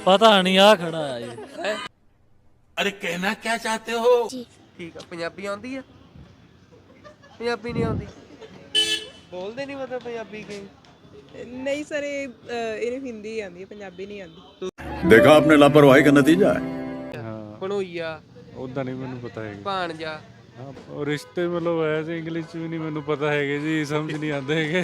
ਪਤਾ ਨਹੀਂ ਆ ਖੜਾ ਆ ਜੀ। अरे कहना क्या चाहते हो? ਠੀਕ ਆ। ਪੰਜਾਬੀ ਆਉਂਦੀ ਆ? ਪੰਜਾਬੀ ਨਹੀਂ ਆਉਂਦੀ, ਬੋਲਦੇ ਨਹੀਂ ਮਤਲਬ ਪੰਜਾਬੀ ਕਈ? नहीं सर इन्हें हिंदी आती है पंजाबी नहीं आती। देखा आपने लापरवाही का नतीजा है। ਭਣੋਈਆ, ਉਦਾਂ ਨਹੀਂ ਮੈਨੂੰ ਪਤਾ ਹੈਗਾ। ਭਾਣਜਾ, ਹਾਂ ਉਹ ਰਿਸ਼ਤੇ ਮਤਲਬ ਐਸੇ ਇੰਗਲਿਸ਼ ਚ ਵੀ ਨਹੀਂ ਮੈਨੂੰ ਪਤਾ ਹੈਗੇ ਜੀ, ਸਮਝ ਨਹੀਂ ਆਉਂਦੇ ਹੈਗੇ।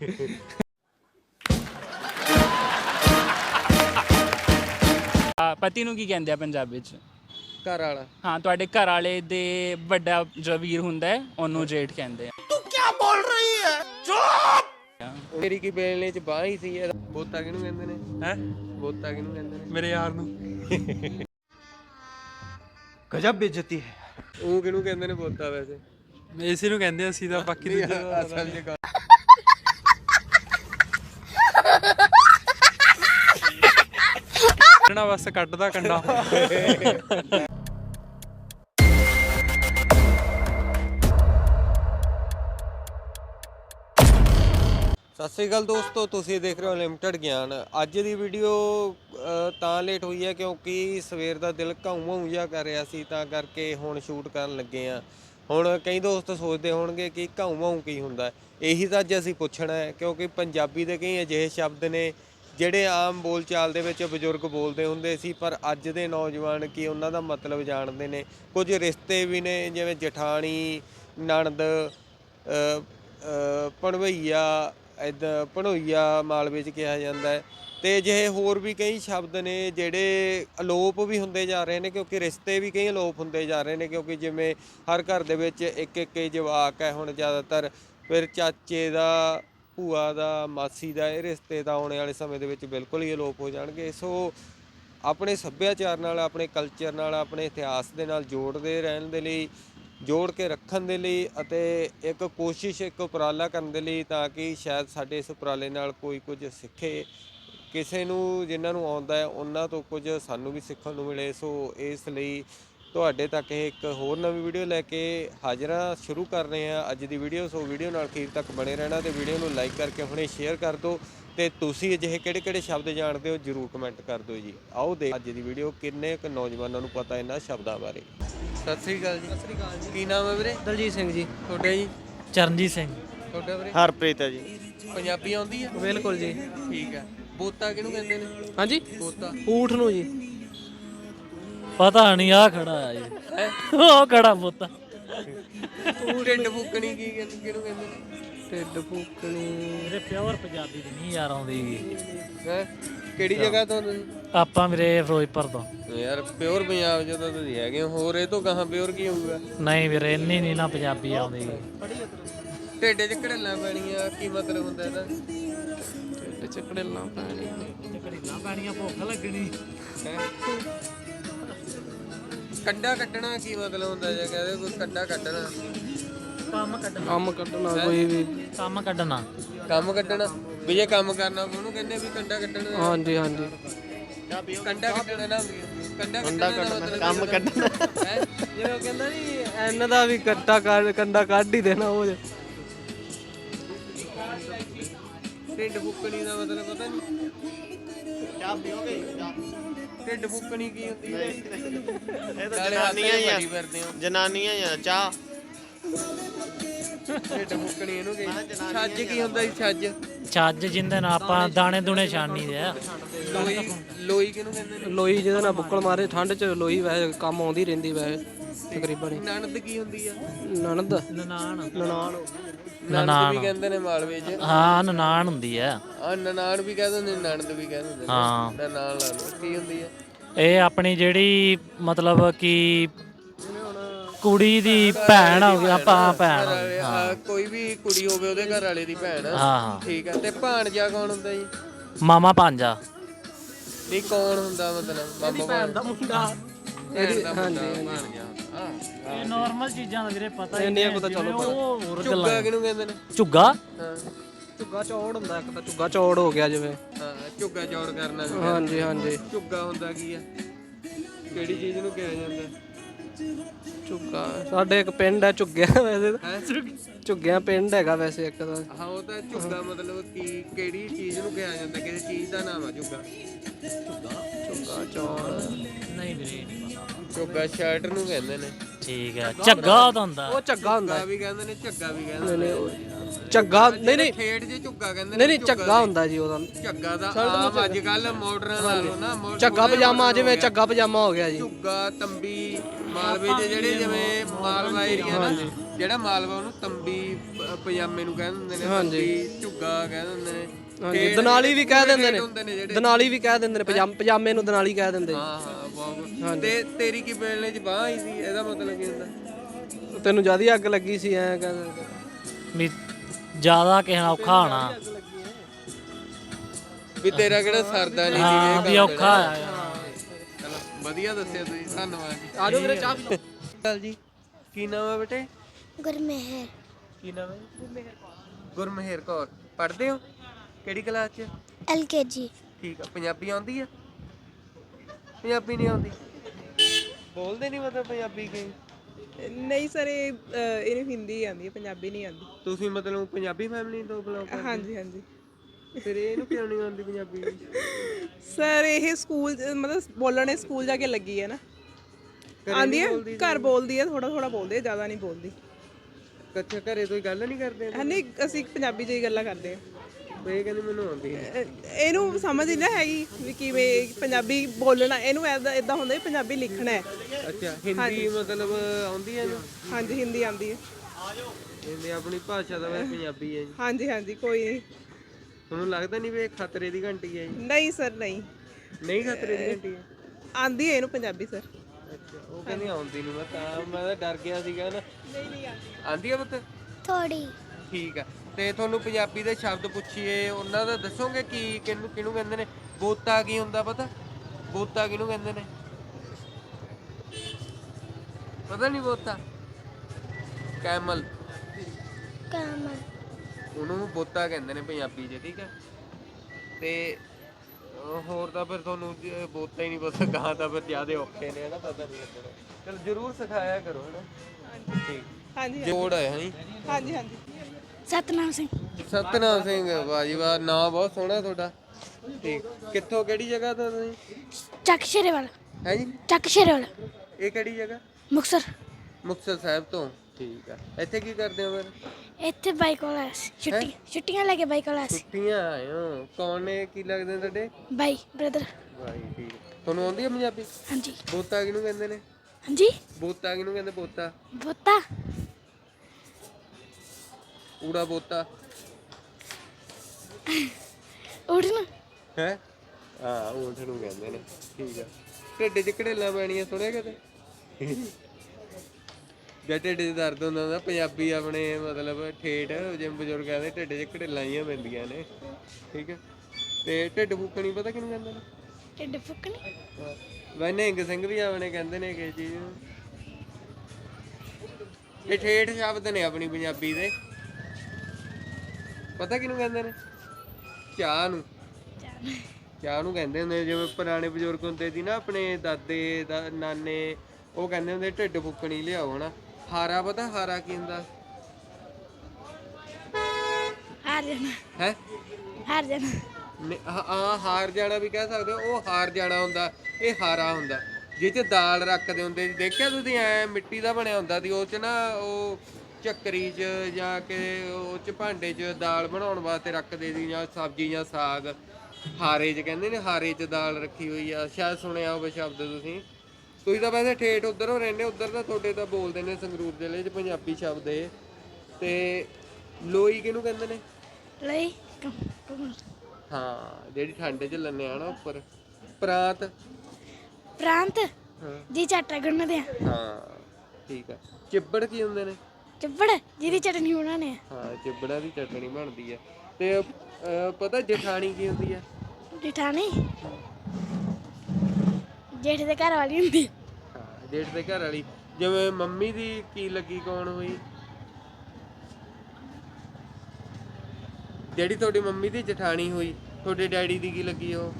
ਪਤੀ ਨੂੰ ਕੀ ਕਹਿੰਦੇ ਆ ਪੰਜਾਬੀ ਚ? ਘਰ ਵਾਲਾ। ਹਾਂ, ਤੁਹਾਡੇ ਘਰ ਵਾਲੇ ਦੇ ਵੱਡਾ ਜੋ ਵੀਰ ਹੁੰਦਾ ਹੈ ਉਹਨੂੰ ਜੇਠ ਕਹਿੰਦੇ ਆ। ਮੇਰੀ ਕੀ ਬੇਲਣੇ ਚ ਬਾਂਹ ਹੀ ਸੀ। ਬੋਤਾ ਕਿਹਨੂੰ ਕਹਿੰਦੇ ਨੇ? ਹੈ ਬੋਤਾ ਕਿਹਨੂੰ ਕਹਿੰਦੇ ਨੇ? ਮੇਰੇ ਯਾਰ ਨੂੰ। गजब बेइज्जती है। ਉਹ ਕਿਹਨੂੰ ਕਹਿੰਦੇ ਨੇ ਬੋਤਾ ਵੈਸੇ? ਇਸੇ ਨੂੰ ਕਹਿੰਦੇ ਅਸੀਂ ਤਾਂ ਬਾਕੀ ਅਸਲ ਚ ਕੱਢਣਾ ਬਸ, ਕੱਢਦਾ ਕੰਡਾ। ਸਤਿ ਸ਼੍ਰੀ ਅਕਾਲ ਦੋਸਤੋ, ਤੁਸੀਂ ਦੇਖ ਰਹੇ ਹੋ ਲਿਮਟਿਡ ਗਿਆਨ। ਅੱਜ ਦੀ ਵੀਡੀਓ ਤਾਂ ਲੇਟ ਹੋਈ ਹੈ ਕਿਉਂਕਿ ਸਵੇਰ ਦਾ ਦਿਲ ਘਾਊ ਜਿਹਾ ਕਰ ਰਿਹਾ ਸੀ, ਤਾਂ ਕਰਕੇ ਹੁਣ ਸ਼ੂਟ ਕਰਨ ਲੱਗੇ ਆ। ਹੁਣ ਕਈ ਦੋਸਤ ਸੋਚਦੇ ਹੋਣਗੇ ਕਿ ਘਾਊ ਕੀ ਹੁੰਦਾ, ਇਹੀ ਤਾਂ ਅੱਜ ਅਸੀਂ ਪੁੱਛਣਾ ਹੈ। ਕਿਉਂਕਿ ਪੰਜਾਬੀ ਦੇ ਕਈ ਅਜਿਹੇ ਸ਼ਬਦ ਨੇ ਜਿਹੜੇ ਆਮ ਬੋਲਚਾਲ ਦੇ ਵਿੱਚ ਬਜ਼ੁਰਗ ਬੋਲਦੇ ਹੁੰਦੇ ਸੀ, ਪਰ ਅੱਜ ਦੇ ਨੌਜਵਾਨ ਕੀ ਉਹਨਾਂ ਦਾ ਮਤਲਬ ਜਾਣਦੇ ਨੇ। ਕੁਝ ਰਿਸ਼ਤੇ ਵੀ ਨੇ, ਜਿਵੇਂ ਜਠਾਣੀ, ਨਣਦ, ਭਣਵਈਆ, ਇੱਦਾਂ ਭਣੋਈਆ ਮਾਲਵੇ 'ਚ ਕਿਹਾ ਜਾਂਦਾ ਹੈ। ਅਤੇ ਅਜਿਹੇ ਹੋਰ ਵੀ ਕਈ ਸ਼ਬਦ ਨੇ ਜਿਹੜੇ ਅਲੋਪ ਵੀ ਹੁੰਦੇ ਜਾ ਰਹੇ ਨੇ, ਕਿਉਂਕਿ ਰਿਸ਼ਤੇ ਵੀ ਕਈ ਅਲੋਪ ਹੁੰਦੇ ਜਾ ਰਹੇ ਨੇ। ਕਿਉਂਕਿ ਜਿਵੇਂ ਹਰ ਘਰ ਦੇ ਵਿੱਚ ਇੱਕ ਜਵਾਕ ਹੈ ਹੁਣ ਜ਼ਿਆਦਾਤਰ, ਫਿਰ ਚਾਚੇ ਦਾ, ਭੂਆ ਦਾ, ਮਾਸੀ ਦਾ, ਇਹ ਰਿਸ਼ਤੇ ਤਾਂ ਆਉਣ ਵਾਲੇ ਸਮੇਂ ਦੇ ਵਿੱਚ ਬਿਲਕੁਲ ਹੀ ਅਲੋਪ ਹੋ ਜਾਣਗੇ। ਸੋ ਆਪਣੇ ਸੱਭਿਆਚਾਰ ਨਾਲ, ਆਪਣੇ ਕਲਚਰ ਨਾਲ, ਆਪਣੇ ਇਤਿਹਾਸ ਦੇ ਨਾਲ ਜੋੜਦੇ ਰਹਿਣ ਦੇ ਲਈ, ਜੋੜ ਕੇ ਰੱਖਣ ਦੇ ਲਈ ਅਤੇ ਇੱਕ ਕੋਸ਼ਿਸ਼, ਇੱਕ ਉਪਰਾਲਾ ਕਰਨ ਦੇ ਲਈ, ਤਾਂ ਕਿ ਸ਼ਾਇਦ ਸਾਡੇ ਇਸ ਉਪਰਾਲੇ ਨਾਲ ਕੋਈ ਕੁਝ ਸਿੱਖੇ। ਕਿਸੇ ਨੂੰ ਜਿਨ੍ਹਾਂ ਨੂੰ ਆਉਂਦਾ ਹੈ ਉਹਨਾਂ ਤੋਂ ਕੁਝ ਸਾਨੂੰ ਵੀ ਸਿੱਖਣ ਨੂੰ ਮਿਲੇ। ਸੋ ਇਸ ਲਈ ਤੁਹਾਡੇ ਤੱਕ ਇਹ ਇੱਕ ਹੋਰ ਨਵੀਂ ਵੀਡੀਓ ਲੈ ਕੇ ਹਾਜ਼ਰਾਂ ਸ਼ੁਰੂ ਕਰ ਰਹੇ ਹਾਂ ਅੱਜ ਦੀ ਵੀਡੀਓ। ਸੋ ਵੀਡੀਓ ਨਾਲ ਅਖੀਰ ਤੱਕ ਬਣੇ ਰਹਿਣਾ ਅਤੇ ਵੀਡੀਓ ਨੂੰ ਲਾਈਕ ਕਰਕੇ ਹੁਣੇ ਸ਼ੇਅਰ ਕਰ ਦਿਓ। ਅਤੇ ਤੁਸੀਂ ਅਜਿਹੇ ਕਿਹੜੇ ਸ਼ਬਦ ਜਾਣਦੇ ਹੋ ਜ਼ਰੂਰ ਕਮੈਂਟ ਕਰ ਦਿਓ ਜੀ। ਆਓ ਦੇਖ ਅੱਜ ਦੀ ਵੀਡੀਓ, ਕਿੰਨੇ ਕੁ ਨੌਜਵਾਨਾਂ ਨੂੰ ਪਤਾ ਇਹਨਾਂ ਸ਼ਬਦਾਂ ਬਾਰੇ। ਸਤਿ ਸ਼੍ਰੀ ਅਕਾਲ ਜੀ। ਸਤਿ ਸ਼੍ਰੀ ਅਕਾਲ ਜੀ। ਕੀ ਨਾਮ ਹੈ ਵੀਰੇ? दलजीत सिंह जी। ਤੁਹਾਡਾ ਜੀ? ਚਰਨਜੀਤ ਸਿੰਘ। ਤੁਹਾਡਾ ਵੀਰੇ? हरप्रीत है जी। ਪੰਜਾਬੀ ਆਉਂਦੀ ਹੈ? बिल्कुल जी। ਠੀਕ ਹੈ। ਬੋਤਾ ਕਿਹਨੂੰ ਕਹਿੰਦੇ ਨੇ? हाँ जी ਬੋਤਾ ऊँट नू जी। ਪਤਾ ਨਹੀਂ ਆ ਖੜਾ ਆ ਜੀ। ਉਹ ਖੜਾ ਪੁੱਤ। ਢਿੱਡ ਫੂਕਣੀ ਕਿਹਨੂੰ ਕਹਿੰਦੇ ਨੇ? ढिड फूकनी ਮੇਰੇ ਪਿਓਰ ਪੰਜਾਬੀ ਦੀ ਨਹੀਂ ਯਾਰ ਆਉਂਦੀ। ਹੈ ਕਿਹੜੀ ਜਗ੍ਹਾ ਤੋਂ ਤੁਸੀਂ? ਆਪਾਂ ਵੀਰੇ ਫਿਰੋਜ਼ਪੁਰ ਤੋਂ। ਯਾਰ ਪਿਓਰ ਪੰਜਾਬ ਜਦੋਂ ਤੁਸੀਂ ਹੈਗੇ ਹੋ, ਹੋਰ ਇਹ ਤੋਂ ਗਾਹਾਂ ਪਿਓਰ ਕੀ ਹੋਊਗਾ? ਨਹੀਂ ਵੀਰੇ ਇੰਨੀ ਨਹੀਂ ਨਾ ਪੰਜਾਬੀ ਆਉਂਦੀ। ਢਿੱਡ 'ਚ ਘੜੇਲਾਂ ਪੈਣੀਆਂ ਕੀ ਮਤਲਬ ਹੁੰਦਾ ਇਹਦਾ? ढिड च कड़ेलां पैणियां। ਘੜੀਆਂ ਪੈਣੀਆਂ, ਭੁੱਖ ਲੱਗਣੀ। ਕੰਡਾ ਕੱਢਣਾ ਕੀ ਮਤਲਬ ਹੁੰਦਾ? ਜੇ ਕਹਿੰਦੇ ਕੋਈ ਕੰਡਾ ਕੱਢਣਾ, ਕੰਮ ਕੱਢਣਾ। ਕੰਮ ਕੱਢਣਾ ਕੋਈ ਵੀ। ਕੰਮ ਕੱਢਣਾ। ਕੰਮ ਕੱਢਣਾ ਵੀ ਜੇ ਕੰਮ ਕਰਨਾ ਉਹਨੂੰ ਕਹਿੰਦੇ ਵੀ ਕੰਡਾ ਕੱਢਣਾ। हाँ जी हाँ जी। ਕੰਡਾ ਕੱਢਣਾ ਨਾ, ਕੰਡਾ ਕੱਢਣਾ ਕੰਮ ਕੱਢਣਾ ਜਿਵੇਂ ਉਹ ਕਹਿੰਦਾ ਨਹੀਂ ਇਹਨਾਂ ਦਾ ਵੀ ਕੰਡਾ ਕੱਢ ਹੀ ਦੇਣਾ ਉਹ। ਢਿੱਡ ਫੁੱਕਣੀ ਦਾ ਮਤਲਬ ਪਤਾ ਨਹੀਂ? ਢਿੱਡ ਫੁੱਕਣੀ ਕੀ ਹੁੰਦੀ ਹੈ? जनानियां ही हैं। ਫਿਰਦੇ ਹੋ जनानियां ही हैं। चाह ਢਿੱਡ ਫੁੱਕਣੀ ਇਹਨੂੰ ਕੀ? ਛੱਜ ਕੀ ਹੁੰਦਾ ਜੀ? ਛੱਜ ਛੱਜ ਜਿੰਦੇ ਨਾਲ ਆਪਾਂ ਦਾਣੇ ਦੂਣੇ ਛਾਣੀ ਦੇ ਆ। ਲੋਈ ਕਿਹਨੂੰ ਕਹਿੰਦੇ ਨੇ? ਲੋਈ ਜਿਹਦੇ ਨਾਲ ਬੁੱਕਲ ਮਾਰੇ ਠੰਡ ਚ ਲੋਈ ਵੈਸੇ ਕੰਮ ਆਉਂਦੀ ਰਹਿੰਦੀ ਵੈਸੇ ਤਕਰੀਬਨ ਹੀ। ਨਣਦ ਕੀ ਹੁੰਦੀ ਆ? ਨਣਦ ਨਨਾਣ। ਨਨਾਣ ਨਣਦ ਵੀ ਕਹਿੰਦੇ ਨੇ ਮਾਲਵੇ 'ਚ। ਹਾਂ ਨਨਾਣ ਹੁੰਦੀ ਆ। ਆ ਨਨਾਣ ਵੀ ਕਹਿ ਦਿੰਦੇ ਨੇ, ਨਣਦ ਵੀ ਕਹਿ ਦਿੰਦੇ ਨੇ। ਹਾਂ। ਨਨਾਣ ਲਾ ਲਓ ਕੀ ਹੁੰਦੀ ਆ? ਇਹ ਆਪਣੀ ਜਿਹੜੀ ਮਤਲਬ ਕਿ ਕੁੜੀ ਦੀ ਭੈਣ ਹੋ ਗਈ। ਆਪਾਂ ਭੈਣ ਹੋ ਗਈ। ਹਾਂ, ਕੋਈ ਵੀ ਕੁੜੀ ਹੋਵੇ ਉਹਦੇ ਘਰ ਵਾਲੇ ਦੀ ਭੈਣ। ਹਾਂ। ਠੀਕ ਆ। ਤੇ ਭਾਣਜਾ ਕੌਣ ਹੁੰਦਾ ਜੀ? ਮਾਮਾ ਭਾਂਜਾ। ਨਹੀਂ ਕੌਣ ਹੁੰਦਾ ਮਤਲਬ? ਮਾਮਾ ਭੈਣ ਦਾ ਮੁੰਡਾ। ਇਹਦੀ ਭਾਣਜਾ। ਇਹ ਨਾਰਮਲ ਚੀਜ਼ਾਂ ਦਾ ਵੀਰੇ ਪਤਾ ਹੀ ਇੰਨੀਆਂ ਪਤਾ ਚਲੋ ਪਤਾ। ਉਹ ਹੋਰ ਝੁੱਗਾ ਗੱਲਾਂ। ਕਿਹਨੂੰ ਕਹਿੰਦੇ ਨੇ? ਝੁੱਗਾ। ਹਾਂ ਝੁੱਗਾ ਚੌੜ ਹੁੰਦਾ, ਇੱਕ ਤਾਂ ਝੁੱਗਾ ਚੌੜ ਹੋ ਗਿਆ ਜਿਵੇਂ। ਹਾਂ, ਝੁੱਗਾ ਚੌੜ ਕਰਨਾ ਵੀ। ਹਾਂਜੀ ਹਾਂਜੀ। ਝੁੱਗਾ ਹੁੰਦਾ ਕੀ ਆ? ਕਿਹੜੀ ਚੀਜ਼ ਨੂੰ ਕਿਹਾ ਜਾਂਦਾ? ਝੁੱਗਾ ਸਾਡੇ ਇੱਕ ਪਿੰਡ ਹੈ ਝੁੱਗਿਆ ਵੈਸੇ ਤਾਂ। ਹੈ ਝੁੱਗਿਆ ਪਿੰਡ ਹੈਗਾ ਵੈਸੇ ਇੱਕ ਤਾਂ। ਹਾਂ, ਉਹ ਤਾਂ ਝੁੱਗਾ ਮਤਲਬ ਕੀ ਕਿਹੜੀ ਚੀਜ਼ ਨੂੰ ਕਿਹਾ ਜਾਂਦਾ? ਕਿਸੇ ਚੀਜ਼ ਦਾ ਨਾਮ ਆ ਝੁੱਗਾ? ਚੌਲ ਨਹੀਂ ਵੀਰੇ ਨਹੀਂ ਪਤਾ। ਝੁੱਗਾ ਸ਼ਰਟ ਨੂੰ ਕਹਿੰਦੇ ਨੇ। ਠੀਕ ਹੈ, ਝੱਗਾ ਤਾਂ ਹੁੰਦਾ। ਉਹ ਝੱਗਾ ਹੁੰਦਾ ਝੁੱਗਾ ਵੀ ਕਹਿੰਦੇ ਨੇ, ਝੱਗਾ ਵੀ ਕਹਿੰਦੇ ਨਹੀਂ ਨੇ। ਨਹੀਂ ਝੱਗਾ ਨਹੀਂ ਨਹੀਂ ਠੇਠ ਜੇ ਝੁੱਗਾ ਕਹਿੰਦੇ ਨਹੀਂ ਨਹੀਂ ਝੱਗਾ ਹੁੰਦਾ ਜੀ ਉਹਦਾ। ਝੱਗਾ ਦਾ ਆਮ ਅੱਜ ਕੱਲ ਮਾਡਰਨ ਨਾਲੋਂ ਨਾ ਝੱਗਾ ਪਜਾਮਾ, ਜਿਵੇਂ ਝੱਗਾ ਪਜਾਮਾ ਹੋ ਗਿਆ ਜੀ। ਝੁੱਗਾ ਤੰਬੀ ਮਾਲਵੇ 'ਚ ਜਿਹੜੇ ਜਿਵੇਂ ਮਾਲਵਾ ਏਰੀਆ ਨਾ, ਜਿਹੜਾ ਮਾਲਵਾ ਉਹਨੂੰ ਤੰਬੀ ਪਜਾਮੇ ਨੂੰ ਕਹਿ ਦਿੰਦੇ ਨੇ। ਤੰਬੀ ਝੁੱਗਾ ਕਹਿ ਦਿੰਦੇ ਨੇ। ਹਾਂਜੀ, ਦਨਾਲੀ ਵੀ ਕਹਿ ਦਿੰਦੇ ਨੇ, ਜਿਹੜੇ। ਦਨਾਲੀ ਵੀ ਕਹਿ ਦਿੰਦੇ ਨੇ, ਪਜਾਮੇ ਨੂੰ ਦਨਾਲੀ ਕਹਿ ਦਿੰਦੇ। ਹਾਂ ਹਾਂ ਬਹੁਤ। ਤੇ ਤੇਰੀ ਕੀ ਬੇਲਣੇ 'ਚ ਬਾਂਹ ਆਈ ਸੀ, ਇਹਦਾ ਮਤਲਬ ਕੀ ਹੁੰਦਾ? ਤੈਨੂੰ ਜਿਆਦਾ ਅੱਗ ਲੱਗੀ ਸੀ ਐ ਕਹਿੰਦੇ ਵੀ ਜ਼ਿਆਦਾ ਕਿਸੇ ਨਾਲ ਔਖਾ ਹੋਣਾ। ਵੀ ਤੇਰਾ ਕਿਹੜਾ ਸਰਦਾ ਨਹੀਂ ਹਾਂ ਸੀ ਵੀ ਇਹ ਔਖਾ ਆ। ਚਲੋ ਵਧੀਆ ਦੱਸਿਆ ਤੁਸੀਂ, ਧੰਨਵਾਦ ਜੀ। ਆ ਜਾਓ ਵੀਰੇ ਚਾਹ ਪੀ ਚੱਲ ਜੀ, ਕੀ ਨਾਮ ਹੈ ਬੇਟੇ? ਗੁਰਮੇਹਰ। ਕੀ ਨਾਮ ਹੈ? ਗੁਰਮੇਹਰ ਕੌਰ। ਪੜ੍ਹਦੇ ਹੋ ਕਿਹੜੀ ਕਲਾਸ 'ਚ? LKG। ਠੀਕ ਆ। ਪੰਜਾਬੀ ਆਉਂਦੀ ਆ? ਪੰਜਾਬੀ ਨਹੀਂ ਆਉਂਦੀ? ਬੋਲਦੇ ਨਹੀਂ ਮਤਲਬ ਪੰਜਾਬੀ ਕਿ? ਨਹੀਂ ਸਰ, ਇਹਨੂੰ ਹਿੰਦੀ ਆਉਂਦੀ ਹੈ, ਪੰਜਾਬੀ ਨਹੀਂ ਆਉਂਦੀ। ਤੁਸੀਂ ਮਤਲਬ ਪੰਜਾਬੀ ਫੈਮਿਲੀ ਤੋਂ ਬਿਲੋਂਗ ਕਰਦੇ? ਹਾਂਜੀ ਹਾਂਜੀ। ਫਿਰ ਇਹਨੂੰ ਕਿਉਂ ਨਹੀਂ ਆਉਂਦੀ ਪੰਜਾਬੀ? ਸਰ ਇਹ ਸਕੂਲ ਮਤਲਬ ਬੋਲਣੇ ਸਕੂਲ ਜਾ ਕੇ ਲੱਗੀ ਹੈ ਨਾ। ਆਉਂਦੀ ਹੈ, ਘਰ ਬੋਲਦੀ ਹੈ, ਥੋੜਾ ਥੋੜਾ ਬੋਲਦੀ ਹੈ, ਜ਼ਿਆਦਾ ਨਹੀਂ ਬੋਲਦੀ। ਅੱਛਾ, ਘਰੇ ਕੋਈ ਗੱਲ ਨਹੀਂ ਕਰਦੇ? ਨਹੀਂ, ਅਸੀਂ ਪੰਜਾਬੀ 'ਚ ਹੀ ਗੱਲਾਂ ਕਰਦੇ ਹਾਂ। ਇਹ ਕਹਿੰਦੀ ਮੈਨੂੰ ਆਉਂਦੀ ਹੈ। ਇਹਨੂੰ ਸਮਝ ਨਹੀਂ ਨਾ ਹੈਗੀ ਵੀ ਕਿਵੇਂ ਪੰਜਾਬੀ ਬੋਲਣਾ। ਇਹਨੂੰ ਇਦਾਂ ਹੁੰਦਾ ਵੀ ਪੰਜਾਬੀ ਲਿਖਣਾ ਹੈ। ਅੱਛਾ, ਹਿੰਦੀ ਮਤਲਬ ਆਉਂਦੀ ਹੈ ਇਹਨੂੰ? ਹਾਂਜੀ, ਹਿੰਦੀ ਆਉਂਦੀ ਹੈ। ਹਿੰਦੀ ਆਪਣੀ ਭਾਸ਼ਾ ਦਾ ਵੈਸੇ ਪੰਜਾਬੀ ਹੈ ਜੀ। ਹਾਂਜੀ ਹਾਂਜੀ, ਕੋਈ ਨਹੀਂ। ਤੁਹਾਨੂੰ ਲੱਗਦਾ ਨਹੀਂ ਵੀ ਇਹ ਖਤਰੇ ਦੀ ਘੰਟੀ ਹੈ ਜੀ? ਨਹੀਂ ਸਰ, ਨਹੀਂ ਨਹੀਂ ਖਤਰੇ ਦੀ ਘੰਟੀ ਹੈ? ਆਉਂਦੀ ਹੈ ਇਹਨੂੰ ਪੰਜਾਬੀ ਸਰ। ਅੱਛਾ, ਉਹ ਕਹਿੰਦੀ ਆਉਂਦੀ ਨਹੀਂ। ਮੈਂ ਤਾਂ ਡਰ ਗਿਆ ਸੀਗਾ ਨਾ। ਨਹੀਂ ਨਹੀਂ ਆਉਂਦੀ। ਆਉਂਦੀ ਆ ਪੁੱਤ? ਥੋੜੀ। ਠੀਕ ਆ। ਤੇ ਤੁਹਾਨੂੰ ਪੰਜਾਬੀ ਦੇ ਸ਼ਬਦ ਪੁੱਛੀਏ, ਉਹਨਾਂ ਦਾ ਦੱਸੋਗੇ ਕੀ ਕਿਹਨੂੰ ਕਹਿੰਦੇ ਨੇ? ਬੋਤਾ ਕੀ ਹੁੰਦਾ ਪਤਾ? ਬੋਤਾ ਕਿਹਨੂੰ ਕਹਿੰਦੇ ਨੇ? ਪਤਾ ਨਹੀਂ ਬੋਤਾ? ਕੈਮਲ, ਕਮਲ। ਉਹਨੂੰ ਬੋਤਾ ਕਹਿੰਦੇ ਨੇ ਪੰਜਾਬੀ 'ਚ। ਠੀਕ ਹੈ। ਤੇ ਹੋਰ ਤਾਂ ਫਿਰ ਤੁਹਾਨੂੰ ਬੋਤਾ ਹੀ ਨਹੀਂ ਪਤਾ, ਗਾਂ ਤਾਂ ਫਿਰ ਜ਼ਿਆਦਾ ਔਖੇ ਨੇ, ਹੈ ਨਾ, ਪਤਾ ਨਹੀਂ ਲੱਗਣਾ। ਚਲ ਜ਼ਰੂਰ ਸਿਖਾਇਆ ਕਰੋ, ਹੈ ਨਾ। ਠੀਕ। ਹਾਂਜੀ ਜੋੜ ਹੈ ਜੀ। ਹਾਂਜੀ ਹਾਂਜੀ। ਸਤਨਾਮ ਸਿੰਘ। ਸਤਨਾਮ ਸਿੰਘ, ਵਾਹ ਜੀ ਵਾਹ, ਨਾਂ ਬਹੁਤ ਸੋਹਣਾ ਤੁਹਾਡਾ। ਠੀਕ। ਕਿੱਥੋਂ, ਕਿਹੜੀ ਜਗ੍ਹਾ ਤੋਂ ਤੁਸੀਂ? ਚੱਕ ਸ਼ੇਰੇਵਾਲ। ਹੈ ਜੀ? ਚੱਕ ਸ਼ੇਰੇਵਾਲ। ਇਹ ਕਿਹੜੀ ਜਗ੍ਹਾ? ਮੁਕਤਸਰ। ਮੁਕਤਸਰ ਸਾਹਿਬ ਤੋਂ। ਠੀਕ ਆ। ਇੱਥੇ ਕੀ ਕਰਦੇ ਹੋ ਫਿਰ? ਇੱਥੇ ਬਾਈਕ ਵਾਲਾ ਆਇਆ ਸੀ। ਛੁੱਟੀਆਂ ਲੈ ਕੇ ਬਾਈਕ ਵਾਲਾ ਆਇਆ ਸੀ। ਛੁੱਟੀਆਂ ਆਏ ਹੋ? ਕੌਣ ਨੇ, ਕੀ ਲੱਗਦੇ ਨੇ ਤੁਹਾਡੇ? ਬਾਈ ਬ੍ਰਦਰ। ਭਾਈ। ਠੀਕ। ਤੁਹਾਨੂੰ ਆਉਂਦੀ ਹੈ ਪੰਜਾਬੀ? ਹਾਂਜੀ ਬੋਤਾ ਕਿਹਨੂੰ ਕਹਿੰਦੇ ਨੇ? ਹਾਂਜੀ। ਬੋਤਾ ਕਿਹਨੂੰ ਕਹਿੰਦੇ? ਬੋਤਾ। ਬੋਤਾ। ਊੜਾ ਬੋਤਾ। ਉੜਨ। ਹੈ? ਹਾਂ, ਊਂਠ ਨੂੰ ਕਹਿੰਦੇ ਨੇ। ਠੀਕ ਆ। ਢਿੱਡ 'ਚ ਘੜੇਲਾਂ ਪੈਣੀਆਂ ਸੁਣਿਆ ਕਦੇ? ਜੇ ਢਿੱਡ 'ਚ ਦਰਦ ਹੁੰਦਾ ਨਾ, ਪੰਜਾਬੀ ਆਪਣੇ ਮਤਲਬ ਠੇਠ ਜਿਵੇਂ ਬਜ਼ੁਰਗ ਕਹਿੰਦੇ, ਢਿੱਡ 'ਚ ਘੜੇਲਾਂ ਹੀ ਪੈਂਦੀਆਂ ਨੇ। ਠੀਕ ਹੈ। ਤੇ ਢਿੱਡ ਫੁੱਕਣੀ ਪਤਾ ਕਿਹਨੂੰ ਕਹਿੰਦੇ ਨੇ? ਢਿੱਡ ਫੁੱਕਣੀ। ਵੈ ਨਿਹੰਗ ਸਿੰਘ ਵੀ ਆਪਣੇ ਕਹਿੰਦੇ ਨੇ ਕਿ ਚੀਜ਼ ਨੂੰ। ਇਹ ਠੇਠ ਸ਼ਬਦ ਨੇ ਆਪਣੀ ਪੰਜਾਬੀ ਦੇ। ਪਤਾ ਕਿਹਨੂੰ ਕਹਿੰਦੇ ਨੇ? ਚਾਹ ਨੂੰ। ਚਾਹ ਨੂੰ ਕਹਿੰਦੇ ਹੁੰਦੇ। ਜਿਵੇਂ ਪੁਰਾਣੇ ਬਜ਼ੁਰਗ ਹੁੰਦੇ ਸੀ ਨਾ, ਆਪਣੇ ਦਾਦੇ ਨਾਨੇ, ਉਹ ਕਹਿੰਦੇ ਹੁੰਦੇ ਢਿੱਡ ਫੁੱਕਣੀ ਲਿਆਓ ਨਾ। ਹਾਰਾ ਪਤਾ ਹਾਰਾ ਕੀ ਹੁੰਦਾ? ਹਾਰ ਜਾਣਾ। ਹੈ? ਹਾਰ ਜਾਣਾ। ਹਾਂ, ਹਾਰ ਜਾਣਾ ਵੀ ਕਹਿ ਸਕਦੇ ਹੋ। ਉਹ ਹਾਰ ਜਾਣਾ ਹੁੰਦਾ, ਇਹ ਹਾਰਾ ਹੁੰਦਾ। ਜਿਹ 'ਚ ਦਾਲ ਰੱਖਦੇ ਹੁੰਦੇ ਸੀ, ਦੇਖਿਆ ਤੁਸੀਂ? ਐ ਮਿੱਟੀ ਦਾ ਬਣਿਆ ਹੁੰਦਾ ਸੀ, ਉਹ 'ਚ ਨਾ ਉਹ ਚੱਕਰੀ 'ਚ ਜਾਂ ਕਿ ਉਹ 'ਚ ਭਾਂਡੇ 'ਚ ਦਾਲ ਬਣਾਉਣ ਵਾਸਤੇ ਰੱਖਦੇ ਸੀ, ਜਾਂ ਸਬਜ਼ੀ ਜਾਂ ਸਾਗ। ਹਾਰੇ 'ਚ ਕਹਿੰਦੇ ਨੇ, ਹਾਰੇ 'ਚ ਦਾਲ ਰੱਖੀ ਹੋਈ ਆ। ਸ਼ਾਇਦ ਸੁਣਿਆ ਹੋਵੇ ਸ਼ਬਦ ਤੁਸੀਂ। ਤੁਸੀਂ ਤਾਂ ਵੈਸੇ ਠੇਠ ਉੱਧਰੋਂ ਰਹਿੰਦੇ, ਉੱਧਰ ਤਾਂ ਤੁਹਾਡੇ ਤਾਂ ਬੋਲਦੇ ਨੇ ਸੰਗਰੂਰ ਜ਼ਿਲ੍ਹੇ 'ਚ ਪੰਜਾਬੀ ਸ਼ਬਦ ਇਹ। ਤੇ ਲੋਈ ਕਿਹਨੂੰ ਕਹਿੰਦੇ ਨੇ? ਲਈ। ਹਾਂ, ਜਿਹੜੀ ਠੰਡ 'ਚ ਲੰਨੇ ਆ ਨਾ ਉੱਪਰ। ਪ੍ਰਾਂਤ। ਪ੍ਰਾਂਤ। ਹਾਂ ਜੀ ਚਾਟਾ ਗੁੰਨਦੇ ਆ। ਹਾਂ, ਠੀਕ ਆ। ਚਿੱਬੜ ਕੀ ਹੁੰਦੇ ਨੇ? ਚੱਬੜ, ਜਿਹਦੀ ਚਟਨੀ ਬਣਾਉਣੇ ਆ। ਹਾਂ, ਚਿੱਬੜਾਂ ਦੀ ਚਟਣੀ ਬਣਦੀ ਹੈ। ਤੇ ਪਤਾ ਜਠਾਣੀ ਕੀ ਹੁੰਦੀ ਹੈ? ਜਠਾਣੀ ਜੇਠ ਦੇ ਘਰ ਵਾਲੀ ਹੁੰਦੀ। ਹਾਂ, ਜੇਠ ਦੇ ਘਰ ਵਾਲੀ। ਜਿਵੇਂ ਮੰਮੀ ਦੀ ਕੀ ਲੱਗੀ ਕੌਣ ਹੋਈ? ਜਿਹੜੀ ਤੁਹਾਡੀ ਮੰਮੀ ਦੀ ਜਠਾਣੀ ਹੋਈ, ਤੁਹਾਡੇ ਡੈਡੀ ਦੀ ਕੀ ਲੱਗੀ ਉਹ?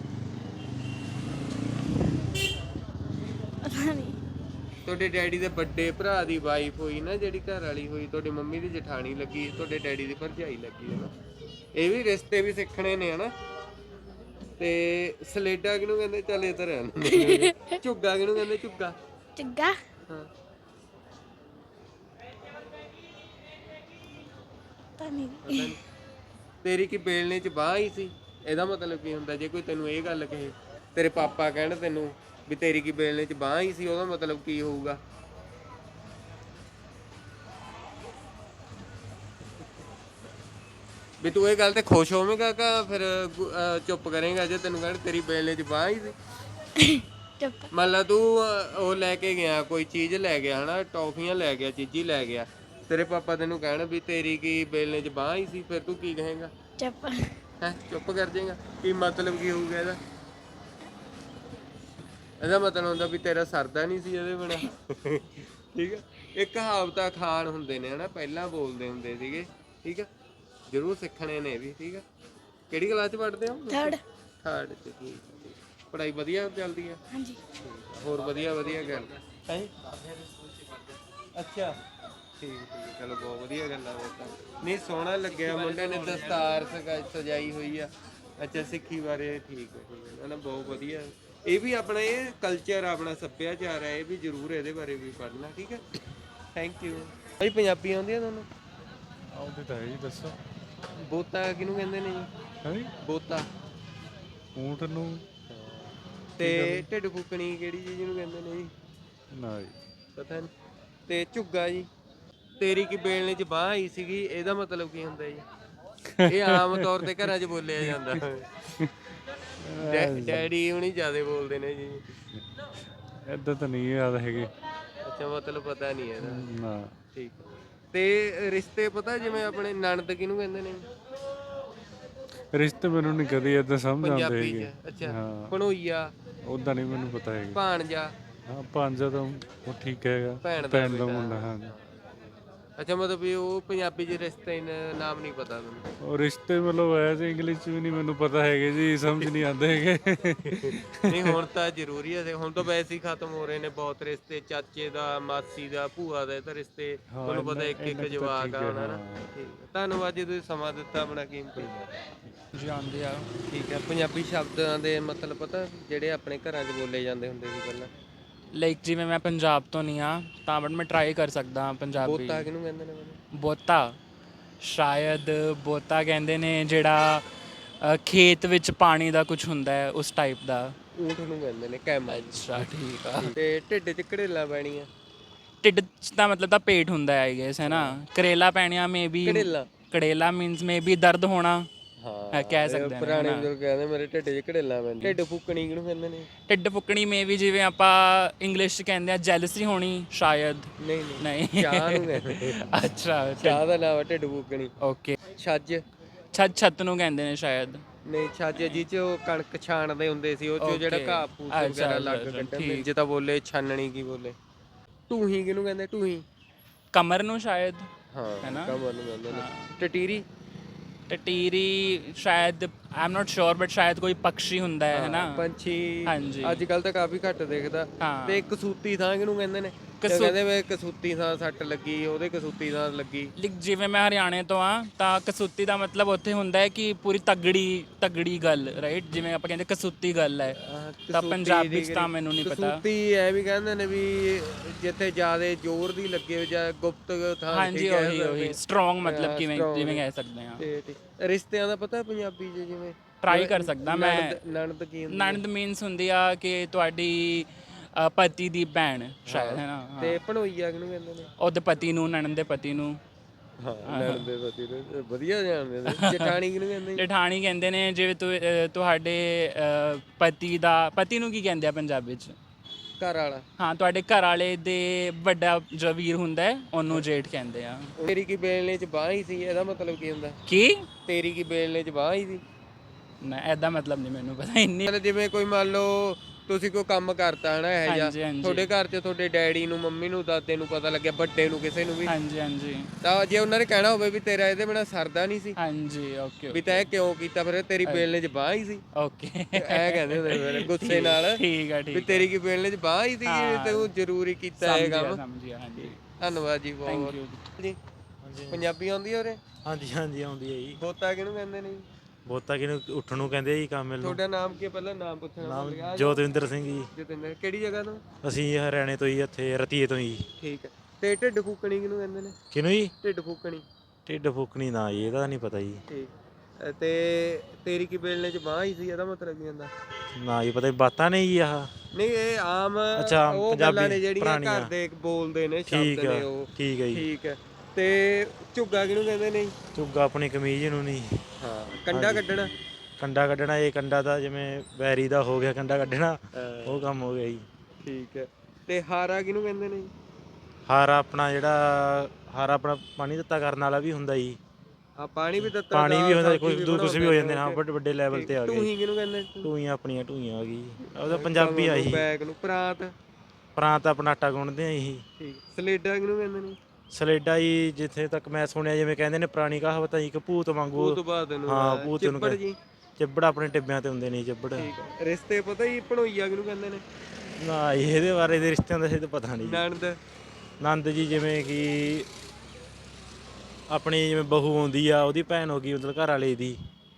ਪਤਾ ਨਹੀਂ। ਤੁਹਾਡੇ ਡੈਡੀ ਦੇ ਵੱਡੇ ਭਰਾ ਦੀ ਵਾਈਫ ਹੋਈ ਨਾ, ਜਿਹੜੀ ਘਰ ਵਾਲੀ ਹੋਈ, ਤੁਹਾਡੀ ਮੰਮੀ ਦੀ ਜਠਾਣੀ ਲੱਗੀ, ਤੁਹਾਡੇ ਡੈਡੀ ਦੀ ਭਰਜਾਈ ਲੱਗੀ, ਹੈ ਨਾ। ਇਹ ਵੀ ਰਿਸ਼ਤੇ ਵੀ ਸਿੱਖਣੇ ਨੇ, ਹਨਾ। ਤੇ ਸਲੇਡਾ ਕਿਹਨੂੰ ਕਹਿੰਦੇ? ਚੱਲ ਇਹ ਤਾਂ ਰਹਿਣ। ਝੁੱਗਾ ਕਿਹਨੂੰ ਕਹਿੰਦੇ? ਝੁੱਗਾ। ਝੁੱਗਾ ਹਾਂ ਤਾਂ ਨਹੀਂ ਪਤਾ ਨੀ। ਤੇਰੀ ਕੀ ਬੇਲਣੇ 'ਚ ਬਾਂਹ ਹੀ ਸੀ, ਇਹਦਾ ਮਤਲਬ ਕੀ ਹੁੰਦਾ? ਜੇ ਕੋਈ ਤੈਨੂੰ ਇਹ ਗੱਲ ਕਹੇ, ਤੇਰੇ ਪਾਪਾ ਕਹਿਣ ਤੈਨੂੰ ਵੀ ਤੇਰੀ ਕੀ ਬੇਲਣੇ 'ਚ ਬਾਂਹ ਹੀ ਸੀ, ਉਹਦਾ ਮਤਲਬ ਕੀ ਹੋਊਗਾ? ਵੀ ਤੂੰ ਇਹ ਗੱਲ ਤੇ ਖੁਸ਼ ਹੋਵੇਂਗਾ ਕਿ ਫਿਰ ਚੁੱਪ ਕਰੇਂਗਾ ਜੇ ਤੈਨੂੰ ਕਹਿਣ ਤੇਰੀ ਬੇਲਣੇ 'ਚ ਬਾਂਹ ਹੀ ਸੀ? ਚੁੱਪ। ਮੰਨ ਲਾ ਤੂੰ ਉਹ ਲੈ ਕੇ ਗਿਆ, ਕੋਈ ਚੀਜ਼ ਲੈ ਗਿਆ ਹਨਾ, ਟੌਫੀਆਂ ਲੈ ਗਿਆ, ਚੀਜ਼ੀ ਲੈ ਗਿਆ, ਤੇਰੇ ਪਾਪਾ ਤੈਨੂੰ ਕਹਿਣ ਵੀ ਤੇਰੀ ਕੀ ਬੇਲਣੇ 'ਚ ਬਾਂਹ ਹੀ ਸੀ, ਫਿਰ ਤੂੰ ਕੀ ਕਹੇਂਗਾ? ਚੁੱਪ। ਹੈ ਚੁੱਪ ਕਰ ਜਾਏਗਾ? ਕੀ ਮਤਲਬ ਕੀ ਹੋਊਗਾ ਇਹਦਾ? ਇਹਦਾ ਮਤਲਬ ਹੁੰਦਾ ਵੀ ਤੇਰਾ ਸਰਦਾ ਨਹੀਂ ਸੀ ਇਹਦੇ ਬਿਨਾ। ਠੀਕ ਹੈ, ਇਹ ਕਹਾਵਤਾਂ ਅਖਾਣ ਹੁੰਦੇ ਨੇ ਹਨਾ, ਪਹਿਲਾਂ ਬੋਲਦੇ ਹੁੰਦੇ ਸੀਗੇ। ਠੀਕ ਹੈ, ਜ਼ਰੂਰ ਸਿੱਖਣੇ ਨੇ ਵੀ। ਠੀਕ ਹੈ, ਕਿਹੜੀ ਕਲਾਸ 'ਚ ਪੜ੍ਹਦੇ ਹੋ? ਥਰਡ। ਥਰਡ 'ਚ। ਠੀਕ ਹੈ, ਪੜ੍ਹਾਈ ਵਧੀਆ ਚੱਲਦੀ ਹੈ? ਹਾਂਜੀ। ਹੋਰ ਵਧੀਆ ਵਧੀਆ ਗੱਲ ਹੈ। ਅੱਛਾ ਠੀਕ ਠੀਕ, ਚਲੋ ਬਹੁਤ ਵਧੀਆ ਗੱਲ ਆ। ਉਹ ਤਾਂ ਨਹੀਂ, ਸੋਹਣਾ ਲੱਗਿਆ ਮੁੰਡੇ ਨੇ, ਦਸਤਾਰ ਸਜਾਈ ਹੋਈ ਆ। ਅੱਛਾ, ਸਿੱਖੀ ਬਾਰੇ। ਠੀਕ ਹੈ ਨਾ, ਬਹੁਤ ਵਧੀਆ। ਇਹ ਵੀ ਆਪਣਾ ਇਹ ਕਲਚਰ, ਆਪਣਾ ਸੱਭਿਆਚਾਰ ਹੈ, ਇਹ ਵੀ ਜ਼ਰੂਰ ਇਹਦੇ ਬਾਰੇ ਵੀ ਪੜ੍ਹਨਾ। ਠੀਕ ਹੈ, ਥੈਂਕ ਯੂ ਭਾਈ। ਪੰਜਾਬੀ ਆਉਂਦੀ ਆ ਤੁਹਾਨੂੰ? ਆਉਂਦੀ ਤਾਂ ਹੈ ਜੀ, ਦੱਸੋ। ਬੋਤਾ ਕਿਹਨੂੰ ਕਹਿੰਦੇ ਨੇ ਜੀ? ਹੈ ਬੋਤਾ। ਊਂਟ ਨੂੰ। ਤੇ ਢਿੱਡ ਫੁੱਕਣੀ ਕਿਹੜੀ ਚੀਜ਼ ਨੂੰ ਕਹਿੰਦੇ ਨੇ ਜੀ? ਨਾ ਜੀ, ਪਤਾ ਨਹੀਂ। ਤੇ ਝੁੱਗਾ ਜੀ। ਤੇਰੀ ਕੀ ਬੇਲਣੇ 'ਚ ਬਾਂਹ ਆਈ ਸੀਗੀ, ਇਹਦਾ ਮਤਲਬ ਕੀ ਹੁੰਦਾ ਜੀ? ਇਹ ਆਮ ਤੌਰ ਤੇ ਘਰਾਂ 'ਚ ਬੋਲਿਆ ਜਾਂਦਾ। ਡੈਡੀ ਹੁਣੀ ਜ਼ਿਆਦਾ ਬੋਲਦੇ ਨੇ ਜੀ। ਏਦਾਂ ਤਾਂ ਨਹੀਂ ਯਾਦ ਹੈਗੇ। ਅੱਛਾ, ਮਤਲਬ ਪਤਾ ਨਹੀਂ ਇਹਦਾ। ਨਾ। ਠੀਕ। ਤੇ ਰਿਸ਼ਤੇ ਪਤਾ, ਜਿਵੇਂ ਆਪਣੇ ਨਣਦ ਕਿਹਨੂੰ ਕਹਿੰਦੇ ਨੇ? ਰਿਸ਼ਤੇ ਮੈਨੂੰ ਨਹੀਂ ਕਦੇ ਏਦਾਂ ਸਮਝ ਆਉਂਦੇ ਪੰਜਾਬੀ ਹੈਗੇ। 'ਚ। ਅੱਛਾ, ਹਾਂ, ਭਣੋਈਆ, ਉਦਾਂ ਨਹੀਂ ਮੈਨੂੰ ਪਤਾ ਹੈਗਾ। ਭਾਣਜਾ। ਹਾਂ, ਭਾਂਜਾ ਤਾਂ ਉਹ ਠੀਕ ਹੈਗਾ, ਭੈਣ ਦਾ ਭੈਣ ਦਾ ਬੇਟਾ। ਮੁੰਡਾ। ਹਾਂ, ਅੱਛਾ, ਮਤਲਬ ਵੀ ਉਹ ਪੰਜਾਬੀ 'ਚ ਰਿਸ਼ਤੇ ਨਾਮ ਨਹੀਂ ਪਤਾ ਮੈਨੂੰ। ਉਹ ਰਿਸ਼ਤੇ ਮਤਲਬ ਐਸੇ ਇੰਗਲਿਸ਼ 'ਚ ਵੀ ਨਹੀਂ ਮੈਨੂੰ ਪਤਾ ਹੈਗੇ ਜੀ, ਸਮਝ ਨਹੀਂ ਆਉਂਦੇ ਹੈਗੇ। ਨਹੀਂ, ਹੁਣ ਤਾਂ ਜ਼ਰੂਰੀ ਹੈ। ਹੁਣ ਤਾਂ ਵੈਸੇ ਹੀ ਖਤਮ ਹੋ ਰਹੇ ਨੇ ਬਹੁਤ ਰਿਸ਼ਤੇ, ਚਾਚੇ ਦਾ, ਮਾਸੀ ਦਾ, ਭੂਆ ਦਾ। ਇਹ ਤਾਂ ਰਿਸ਼ਤੇ ਤੁਹਾਨੂੰ ਪਤਾ ਇੱਕ ਇੱਕ ਜਵਾਕ ਆ ਉਹਨਾਂ। ਠੀਕ ਹੈ, ਧੰਨਵਾਦ ਜੀ, ਤੁਸੀਂ ਸਮਾਂ ਦਿੱਤਾ ਆਪਣਾ ਕੀਮਤੀ। ਜੀ ਆਉਂਦੇ ਆ। ਠੀਕ ਹੈ, ਪੰਜਾਬੀ ਸ਼ਬਦਾਂ ਦੇ ਮਤਲਬ ਪਤਾ, ਜਿਹੜੇ ਆਪਣੇ ਘਰਾਂ 'ਚ ਬੋਲੇ ਜਾਂਦੇ ਹੁੰਦੇ ਸੀ ਪਹਿਲਾਂ? ਲਾਈਕ ਜਿਵੇਂ ਮੈਂ ਪੰਜਾਬ ਤੋਂ ਨਹੀਂ ਆ, ਤਾਂ ਬਟ ਮੈਂ ਟਰਾਈ ਕਰ ਸਕਦਾ ਹਾਂ ਪੰਜਾਬੀ। ਬੋਤਾ ਕਿਹਨੂੰ ਕਹਿੰਦੇ ਨੇ ਮੈਨੂੰ? ਬੋਤਾ ਸ਼ਾਇਦ ਬੋਤਾ ਕਹਿੰਦੇ ਨੇ ਜਿਹੜਾ ਖੇਤ ਵਿੱਚ ਪਾਣੀ ਦਾ ਕੁਝ ਹੁੰਦਾ ਹੈ, ਉਸ ਟਾਈਪ ਦਾ। ਊਂਠ ਨੂੰ ਕਹਿੰਦੇ ਨੇ ਕੈਮਲ। ਅੱਛਾ, ਠੀਕ ਆ। ਤੇ ਢਿੱਡ 'ਚ ਘੜੇਲਾਂ ਪੈਣੀਆਂ? ਢਿੱਡ 'ਚ ਤਾਂ ਮਤਲਬ ਤਾਂ ਪੇਟ ਹੁੰਦਾ ਹੈ ਆਈ ਗੈਸ, ਹੈ ਨਾ। ਕਰੇਲਾ ਪੈਣੀਆਂ ਮੇ ਬੀ। ਘੜੇਲਾਂ। ਕੜੇਲਾ ਮੀਨਸ ਮੇ ਬੀ ਦਰਦ ਹੋਣਾ। ਹਾਂ, ਕਹਿ ਸਕਦੇ ਹਾਂ। ਪੁਰਾਣੇ ਬਜ਼ੁਰਗ ਕਹਿੰਦੇ ਮੇਰੇ ਢਿੱਡ 'ਚ ਘੜੇਲਾਂ ਪੈਂਦੀਆਂ। ਢਿੱਡ ਫੁੱਕਣੀ ਕਿਹਨੂੰ ਕਹਿੰਦੇ ਨੇ? ਢਿੱਡ ਫੁੱਕਣੀ ਮੇ ਵੀ ਜਿਵੇਂ ਆਪਾਂ ਇੰਗਲਿਸ਼ 'ਚ ਕਹਿੰਦੇ ਆ ਜੈਲਸੀ ਹੋਣੀ ਸ਼ਾਇਦ। ਨਹੀਂ ਨਹੀਂ। ਚਾਹ ਨੂੰ ਕਹਿੰਦੇ। ਅੱਛਾ, ਚਾਹ ਦਾ ਨਾਮ ਹੈ ਢਿੱਡ ਫੁੱਕਣੀ। ਓਕੇ। ਛੱਜ। ਛੱਤ ਨੂੰ ਕਹਿੰਦੇ ਨੇ ਸ਼ਾਇਦ। ਨਹੀਂ, ਛੱਜ ਜੀ 'ਚ ਉਹ ਕਣਕ ਛਾਣਦੇ ਹੁੰਦੇ ਸੀ, ਉਹ 'ਚੋਂ ਜਿਹੜਾ ਘਾਹ ਫੂਸ ਵਗੈਰਾ ਲੱਗ ਕੱਢਣ। ਜੇ ਤਾਂ ਬੋਲੇ ਛਾਨਣੀ ਕੀ ਬੋਲੇ? ਢੂਹੀ ਕਿਹਨੂੰ ਕਹਿੰਦੇ? ਢੂਹੀ। ਕਮਰ ਨੂੰ ਸ਼ਾਇਦ। ਹਾਂ, ਹੈਨਾ? ਕਮਰ ਨੂੰ ਕਹਿੰਦੇ ਨੇ। ਟਟੀਰੀ। ਟਟੀਰੀ ਸ਼ਾਇਦ I am not sure, but ਸ਼ਾਇਦ ਕੋਈ ਪੰਛੀ ਹੁੰਦਾ ਹੈ ਨਾ। ਪੰਛੀ। ਹਾਂਜੀ। ਅੱਜ ਕੱਲ ਤਾਂ ਕਾਫੀ ਘੱਟ ਦਿਖਦਾ। ਹਾਂ। ਤੇ ਕਸੂਤੀ ਥਾਂ ਕਿਹਨੂੰ ਕਹਿੰਦੇ ਨੇ? ਕਹਿੰਦੇ ਵੇ ਕਸੂਤੀ ਥਾਂ ਸੱਟ ਲੱਗੀ, ਉਹਦੇ ਕਸੂਤੀ ਥਾਂ ਲੱਗੀ। ਜਿਵੇਂ ਮੈਂ ਹਰਿਆਣੇ ਤੋਂ ਆ, ਤਾਂ ਕਸੂਤੀ ਦਾ ਮਤਲਬ ਉੱਥੇ ਹੁੰਦਾ ਹੈ ਕਿ ਪੂਰੀ ਤਗੜੀ ਗੱਲ, ਰਾਈਟ। ਜਿਵੇਂ ਆਪਾਂ ਕਹਿੰਦੇ ਕਸੂਤੀ ਗੱਲ ਹੈ, ਤਾਂ ਪੰਜਾਬੀ 'ਚ ਤਾਂ ਮੈਨੂੰ ਨਹੀਂ ਪਤਾ। ਕਸੂਤੀ ਐ ਵੀ ਕਹਿੰਦੇ ਨੇ ਵੀ ਜਿੱਥੇ ਜ਼ਿਆਦਾ ਜ਼ੋਰ ਦੀ ਲੱਗੇ ਜਾਂ ਗੁਪਤ ਥਾਂ। ਹਾਂਜੀ, ਉਹੀ ਸਟਰੋਂਗ, ਮਤਲਬ ਕਿਵੇਂ ਜਿਵੇਂ ਕਹਿ ਸਕਦੇ ਹਾਂ। ਤੇ ਰਿਸ਼ਤਿਆਂ ਦਾ ਪਤਾ ਪੰਜਾਬੀ 'ਚ? ਜਿਵੇਂ ਟਰਾਈ ਕਰ ਸਕਦਾ ਮੈਂ। ਨਣਦ ਕੀ ਹੁੰਦੀ? ਨਣਦ ਮੀਨਸ ਹੁੰਦੀ ਆ ਕਿ ਤੁਹਾਡੀ ਪਤੀ ਦੀ ਭੈਣ ਸ਼ਾਇਦ, ਹੈ ਨਾ। ਤੇ ਭਣੋਈਆ ਕਿਹਨੂੰ ਕਹਿੰਦੇ ਨੇ? ਉਹਦੇ ਪਤੀ ਨੂੰ, ਨਣਦ ਦੇ ਪਤੀ ਨੂੰ। ਹਾਂ, ਨਣਦ ਦੇ ਪਤੀ ਨੂੰ ਵਧੀਆ ਜਾਣਦੇ ਨੇ। ਜਠਾਣੀ ਕਿਹਨੂੰ ਕਹਿੰਦੇ? ਜਠਾਣੀ ਕਹਿੰਦੇ ਨੇ ਜਿਵੇਂ ਤੁਹਾਡੇ ਪਤੀ ਨੂੰ ਕੀ ਕਹਿੰਦੇ ਆ ਪੰਜਾਬੀ 'ਚ? ਘਰ ਵਾਲਾ। ਹਾਂ, ਤੁਹਾਡੇ ਘਰ ਵਾਲੇ ਦੇ ਵੱਡਾ ਜੋ ਵੀਰ ਹੁੰਦਾ ਹੈ, ਉਹਨੂੰ ਜੇਠ ਕਹਿੰਦੇ ਆ। ਤੇਰੀ ਕੀ ਬੇਲਣੇ 'ਚ ਬਾਂਹ ਹੀ ਸੀ, ਇਹਦਾ ਮਤਲਬ ਕੀ ਹੁੰਦਾ? ਕੀ? ਤੇਰੀ ਕੀ ਬੇਲਣੇ 'ਚ ਬਾਂਹ ਹੀ ਸੀ? ਨਾ, ਐਦਾ ਮਤਲਬ ਨਹੀਂ ਮੈਨੂੰ ਪਤਾ ਇੰਨੀ। ਜਿਵੇਂ ਕੋਈ ਮੰਨ ਲਓ ਤੁਸੀਂ ਕੋਈ ਕੰਮ ਕਰਤਾ ਹੈ ਨਾ ਇਹ ਜਿਹਾ, ਹਾਂਜੀ, ਹਾਂਜੀ। ਤੁਹਾਡੇ ਘਰ 'ਚ ਤੁਹਾਡੇ ਡੈਡੀ ਨੂੰ, ਮੰਮੀ ਨੂੰ, ਦਾਦੇ ਨੂੰ ਪਤਾ ਲੱਗਿਆ, ਵੱਡੇ ਨੂੰ, ਕਿਸੇ ਨੂੰ ਵੀ, ਹਾਂਜੀ। ਤਾਂ ਜੇ ਉਹਨਾਂ ਨੇ ਕਹਿਣਾ ਹੋਵੇ ਵੀ ਤੇਰਾ ਇਹਦੇ ਬਿਨਾਂ ਸਰਦਾ ਨਹੀਂ ਸੀ, ਹਾਂਜੀ, ਓਕੇ। ਵੀ ਤੈਂ ਕਿਉਂ ਕੀਤਾ, ਫਿਰ ਤੇਰੀ ਬੇਲਣੇ 'ਚ ਬਾਂਹ ਹੀ ਸੀ। ਓਕੇ। ਐ ਕਹਿੰਦੇ ਹੁੰਦੇ ਫਿਰ ਗੁੱਸੇ ਨਾਲ ਠੀਕ ਆ, ਵੀ ਤੇਰੀ ਕੀ ਬੇਲਣੇ 'ਚ ਬਾਂਹ ਹੀ ਸੀ, ਤੂੰ ਜ਼ਰੂਰੀ ਕੀਤਾ ਇਹ ਕੰਮ। ਸਮਝਿਆ, ਹਾਂਜੀ। ਧੰਨਵਾਦ ਜੀ, ਬਹੁਤ ਥੈਂਕ ਯੂ ਜੀ। ਪੰਜਾਬੀ ਆਉਂਦੀ ਹੈ ਉਰੇ? ਹਾਂਜੀ ਆਉਂਦੀ ਹੈ ਜੀ। ਬੋਤਾ ਕਿਹਨੂੰ ਕਹਿੰਦੇ ਨੇ? ਬਹੁਤਾ ਕਿਹਨੂੰ ਉੱਠਣ ਨੂੰ ਕਹਿੰਦੇ ਜੀ ਕੰਮ ਮਿਲ ਨੂੰ। ਤੁਹਾਡਾ ਨਾਮ ਕੀ ਹੈ? ਪਹਿਲਾਂ ਨਾਮ ਪੁੱਛਣਾ ਭੁੱਲ ਗਿਆ। ਨਾਮ ਜੋਤਵਿੰਦਰ ਸਿੰਘ ਜੀ। ਜਤਿੰਦਰ, ਕਿਹੜੀ ਜਗ੍ਹਾ ਤੋਂ? ਅਸੀਂ ਹਰਿਆਣੇ ਤੋਂ ਹੀ, ਇੱਥੇ ਰਤੀਏ ਤੋਂ ਜੀ। ਠੀਕ ਹੈ। ਤੇ ਢਿੱਡ ਫੂਕਣੀ ਕਿਹਨੂੰ ਕਹਿੰਦੇ ਨੇ? ਕਿਹਨੂੰ ਜੀ? ਢਿੱਡ ਫੂਕਣੀ। ਢਿੱਡ ਫੂਕਣੀ ਨਾ ਜੀ, ਇਹਦਾ ਨਹੀਂ ਪਤਾ ਜੀ। ਠੀਕ। ਤੇ ਤੇਰੀ ਕੀ ਬੇਲਣੇ 'ਚ ਬਾਂਹ ਹੀ ਸੀ, ਇਹਦਾ ਮਤਲਬ ਕੀ ਹੁੰਦਾ? ਨਾ ਜੀ ਪਤਾ, ਬਾਤਾਂ ਨਹੀਂ ਜੀ ਆਹ। ਨਹੀਂ, ਇਹ ਆਮ ਅੱਛਾ, ਉਹ ਗੱਲਾਂ ਪੰਜਾਬੀ ਨੇ ਜਿਹੜੀਆਂ ਪੁਰਾਣੀਆਂ। ਘਰ ਦੇ ਬੋਲਦੇ ਨੇ, ਸ਼ਬਦ ਠੀਕ ਨੇ ਆ, ਉਹ। ਠੀਕ ਹੈ ਜੀ। ਠੀਕ ਹੈ। ਤੇ ਝੁੱਗਾ ਕਿਹਨੂੰ ਕਹਿੰਦੇ ਨੇ? ਝੁੱਗਾ ਆਪਣੀ ਕਮੀਜ਼ ਨੂੰ ਨਹੀਂ। ਹਾਂ। ਕੰਡਾ ਕੱਢਣਾ? ਕੰਡਾ ਕੱਢਣਾ, ਇਹ ਕੰਡਾ ਤਾਂ ਜਿਵੇਂ ਵੈਰੀ ਦਾ ਹੋ ਗਿਆ ਕੰਡਾ ਕੱਢਣਾ, ਉਹ ਕੰਮ ਹੋ ਗਿਆ ਜੀ। ਠੀਕ ਹੈ। ਤੇ ਹਾਰਾ ਕਿਹਨੂੰ ਕਹਿੰਦੇ ਨੇ? ਹਾਰਾ ਆਪਣਾ ਜਿਹੜਾ ਹਾਰਾ ਆਪਣਾ ਪਾਣੀ ਦਿੱਤਾ ਕਰਨ ਵਾਲਾ ਵੀ ਹੁੰਦਾ ਜੀ। ਆ ਪਾਣੀ ਵੀ ਦਿੱਤਾ, ਪਾਣੀ ਵੀ ਹੁੰਦਾ, ਕੁਝ ਵੀ ਕੁਝ ਵੀ ਹੋ ਜਾਂਦੇ ਨੇ। ਹਾਂ, ਵੱਡੇ ਲੈਵਲ ਤੇ ਆ ਗਏ। ਟੂਹੀ ਕਿਹਨੂੰ ਕਹਿੰਦੇ? ਟੂਈਆਂ ਆਪਣੀਆਂ ਟੂਈਆਂ ਆ ਗਈ, ਉਹਦਾ ਪੰਜਾਬੀ ਆ ਜੀ। ਬੈਗ ਨੂੰ ਪ੍ਰਾਂਤ? ਪ੍ਰਾਂਤ ਆਪਣਾ ਆਟਾ ਗੁੰਨਦੇ ਆ ਜੀ। ਠੀਕ। ਸਲੇਡਾ ਕਿਹਨੂੰ ਕਹਿੰਦੇ ਨੇ? ਸਲੇਡਾ ਜੀ, ਜਿੱਥੇ ਤੱਕ ਮੈਂ ਸੁਣਿਆ, ਜਿਵੇਂ ਕਹਿੰਦੇ ਨੇ ਪੁਰਾਣੀ ਕਹਾਵਤ ਜੀ, ਕਿ ਭੂਤ ਵਾਂਗੂ। ਉਹ ਤੋਂ ਬਾਅਦ ਨੂੰ ਹਾਂ, ਭੂਤ ਨੂੰ ਚਿੱਬੜ ਜੀ। ਚਿੱਬੜ ਆਪਣੇ ਟਿੱਬਿਆਂ ਤੇ ਹੁੰਦੇ ਨੇ ਚਿੱਬੜ। ਠੀਕ ਹੈ। ਰਿਸ਼ਤੇ ਪਤਾ ਜੀ ਭਣੋਈਆ ਕਿਹਨੂੰ ਕਹਿੰਦੇ ਨੇ? ਨਾ ਇਹਦੇ ਬਾਰੇ ਦੇ ਰਿਸ਼ਤਿਆਂ ਦਾ ਤਾਂ ਪਤਾ ਨਹੀਂ। ਨਣਦ? ਨੰਦ ਜੀ, ਜਿਵੇਂ ਕਿ ਆਪਣੀ ਜਿਵੇਂ ਬਹੂ ਆਉਂਦੀ ਆ, ਉਹਦੀ ਭੈਣ ਹੋ ਗਈ, ਮਤਲਬ ਘਰ ਵਾਲੇ ਦੀ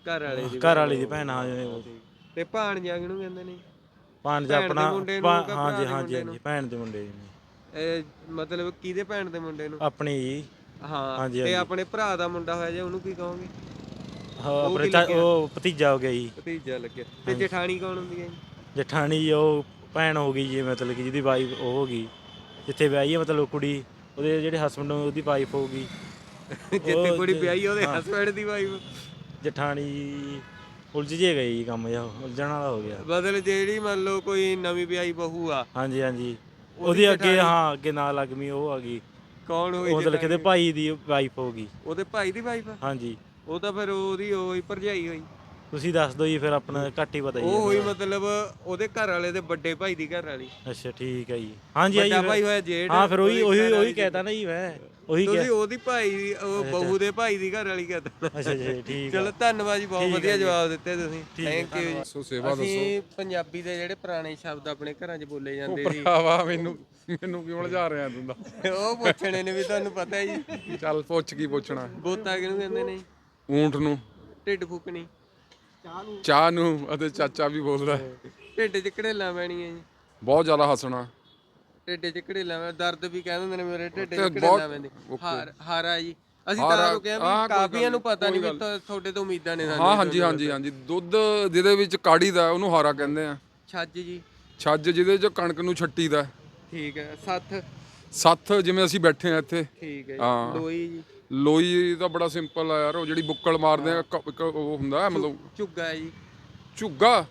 ਭੈਣ। ਹਾਂ ਜਿਵੇਂ। ਤੇ ਭਾਣਜਾ ਕਿਹਨੂੰ ਕਹਿੰਦੇ ਨੇ? ਭਾਣਜਾ ਆਪਣਾ ਮੁੰਡੇ ਨੂੰ ਕਿ ਭਰਾ ਹਾਂਜੀ ਦੇ ਹਾਂਜੀ ਮੁੰਡੇ ਨੂੰ? ਹਾਂਜੀ, ਭੈਣ ਦੇ ਮੁੰਡੇ ਜੀ। ਇਹ ਮਤਲਬ ਕਿਹਦੇ ਭੈਣ ਦੇ ਮੁੰਡੇ ਨੂੰ? ਆਪਣੀ ਜੀ। ਹਾਂ। ਹਾਂਜੀ, ਤੇ ਹਾਂਜੀ। ਆਪਣੇ ਭਰਾ ਦਾ ਮੁੰਡਾ ਹੋਇਆ ਜੇ ਉਹਨੂੰ ਕੀ ਕਹੋਗੇ? ਹਾਂ, ਆਪਣੇ ਉਹ ਭਤੀਜਾ ਹੋ ਗਿਆ ਜੀ। ਭਤੀਜਾ ਲੱਗਿਆ। ਤੇ ਜਠਾਣੀ ਕੌਣ ਹੁੰਦੀ ਹੈ ਜੀ? ਜਠਾਣੀ ਉਹ ਭੈਣ ਹੋ ਗਈ ਜੀ, ਮਤਲਬ ਕਿ ਜਿਹਦੀ ਵਾਈਫ ਉਹ ਹੋ ਗਈ, ਜਿੱਥੇ ਵਿਆਹੀ ਹੈ, ਮਤਲਬ ਕੁੜੀ ਉਹਦੇ ਜਿਹੜੇ ਹਸਬੰਡ ਉਹਦੀ ਵਾਈਫ ਹੋ ਗਈ। ਜਿੱਥੇ ਕੁੜੀ ਵਿਆਹੀ ਉਹਦੇ ਹਸਬੰਡ ਦੀ ਵਾਈਫ। ਜਠਾਣੀ ਉਲਝ ਜੇ ਗਈ ਜੀ, ਕੰਮ ਜਿਹਾ ਉਲਝਣ ਵਾਲਾ ਹੋ ਗਿਆ। ਮਤਲਬ ਜਿਹੜੀ ਮੰਨ ਲਓ ਕੋਈ ਨਵੀਂ ਵਿਆਹੀ ਬਹੂ ਆ। ਹਾਂਜੀ ਹਾਂਜੀ, ਉਹਦੀ ਅੱਗੇ ਹਾਂ ਅੱਗੇ ਨਾਲ ਲੱਗਮੀ ਉਹ ਆ ਗਈ। ਕੌਣ ਹੋਈ? ਮਤਲਬ ਕਿਤੇ ਭਾਈ ਦੀ ਵਾਈਫ ਹੋ ਗਈ। ਉਹਦੇ ਭਾਈ ਦੀ ਵਾਈਫ? ਹਾਂਜੀ। ਉਹ ਤਾਂ ਫਿਰ ਉਹਦੀ ਹੋਈ ਭਰਜਾਈ ਹੋਈ। ਤੁਸੀਂ ਦੱਸ ਦਿਓ ਜੀ, ਫਿਰ ਆਪਣਾ ਘੱਟ ਹੀ ਪਤਾ ਜੀ। ਉਹ ਹੋਈ ਮਤਲਬ ਉਹਦੇ ਘਰ ਵਾਲੇ ਦੇ ਵੱਡੇ ਭਾਈ ਦੀ ਘਰ ਵਾਲੀ। ਅੱਛਾ, ਠੀਕ ਹੈ ਜੀ। ਹਾਂਜੀ ਵੱਡਾ ਭਾਈ ਹੋਇਆ ਜੇਠ। ਹਾਂ, ਫਿਰ ਉਹੀ ਕਹਿਤਾ ਨਾ ਜੀ ਮੈਂ, ਉਹੀ ਤੁਸੀਂ ਉਹਦੀ ਭਾਈ ਉਹ ਬਹੂ ਦੇ ਭਾਈ ਦੀ ਘਰ ਵਾਲੀ ਕਹਿਤਾ। ਅੱਛਾ ਜੀ, ਠੀਕ। ਚਲੋ ਧੰਨਵਾਦ ਜੀ, ਬਹੁਤ ਵਧੀਆ ਜਵਾਬ ਦਿੱਤੇ ਤੁਸੀਂ। ਥੈਂਕ ਯੂ ਜੀ। ਸੋ ਸੇਵਾ ਦੱਸੋ। ਅਸੀਂ ਪੰਜਾਬੀ ਦੇ ਜਿਹੜੇ ਪੁਰਾਣੇ ਸ਼ਬਦ ਆਪਣੇ ਘਰਾਂ 'ਚ ਬੋਲੇ ਜਾਂਦੇ ਸੀ। ਭਰਾਵਾ ਮੈਨੂੰ ਕਿਉਂ ਉਲਝਾ ਰਿਹਾ ਤੂੰ ਤਾਂ? ਉਹ ਪੁੱਛਣੇ ਨੇ ਵੀ, ਤੁਹਾਨੂੰ ਪਤਾ ਹੈ ਜੀ। ਚੱਲ ਪੁੱਛ, ਕੀ ਪੁੱਛਣਾ? ਬੋਤਾ ਕਿਹਨੂੰ ਕਹਿੰਦੇ ਨੇ? ਊਂਠ ਨੂੰ। ਢਿੱਡ ਫੂਕਣੀ? ਚਾਹ ਨੂੰ। ਅਤੇ ਚਾਚਾ ਵੀ ਬੋਲਦਾ। ਢਿੱਡ 'ਚ ਘੜੇਲਾਂ ਪੈਣੀਆਂ ਜੀ? ਬਹੁਤ ਜ਼ਿਆਦਾ ਹੱਸਣਾ। ਢਿੱਡ 'ਚ ਘੜੇਲਾਂ, ਦਰਦ ਵੀ ਕਹਿ ਦਿੰਦੇ ਨੇ ਮੇਰੇ ਢਿੱਡ 'ਚ ਘੜੇਲਾਂ ਪੈਂਦੀ। ਹਾਰਾ ਜੀ। ਅਸੀਂ ਤਾਂ ਰੁਕਿਆ ਵੀ ਕਾਫੀਆਂ ਨੂੰ ਪਤਾ ਨਹੀਂ ਵੀ ਤੁਹਾਡੇ ਤੋਂ ਉਮੀਦਾਂ ਨੇ। ਹਾਂ, ਹਾਂਜੀ ਹਾਂਜੀ ਹਾਂਜੀ। ਦੁੱਧ ਜਿਹਦੇ ਵਿੱਚ ਕਾੜੀ ਦਾ ਉਹਨੂੰ ਹਾਰਾ ਕਹਿੰਦੇ ਆ। ਛੱਜ ਜੀ? ਛੱਜ ਜਿਹਦੇ 'ਚ ਕਣਕ ਨੂੰ ਛੱਟੀ ਦਾ। ਠੀਕ ਹੈ। ਸੱਥ? ਸੱਥ ਜਿਵੇਂ ਅਸੀਂ ਬੈਠੇ ਆ ਇੱਥੇ। ਠੀਕ ਹੈ। ਹਾਂ। ਲੋਈ ਜੀ? ਲੋਈ ਤਾਂ ਬੜਾ ਸਿੰਪਲ ਆ ਯਾਰ, ਉਹ ਜਿਹੜੀ ਬੁੱਕਲ ਮਾਰਦੇ ਆ, ਇੱਕ ਉਹ ਹੁੰਦਾ ਮਤਲਬ। ਝੁੱਗਾ ਹੈ ਜੀ? ਝੁੱਗਾ?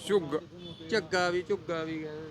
ਝੱਗਾ ਵੀ ਕਹਿੰਦੇ ਨੇ।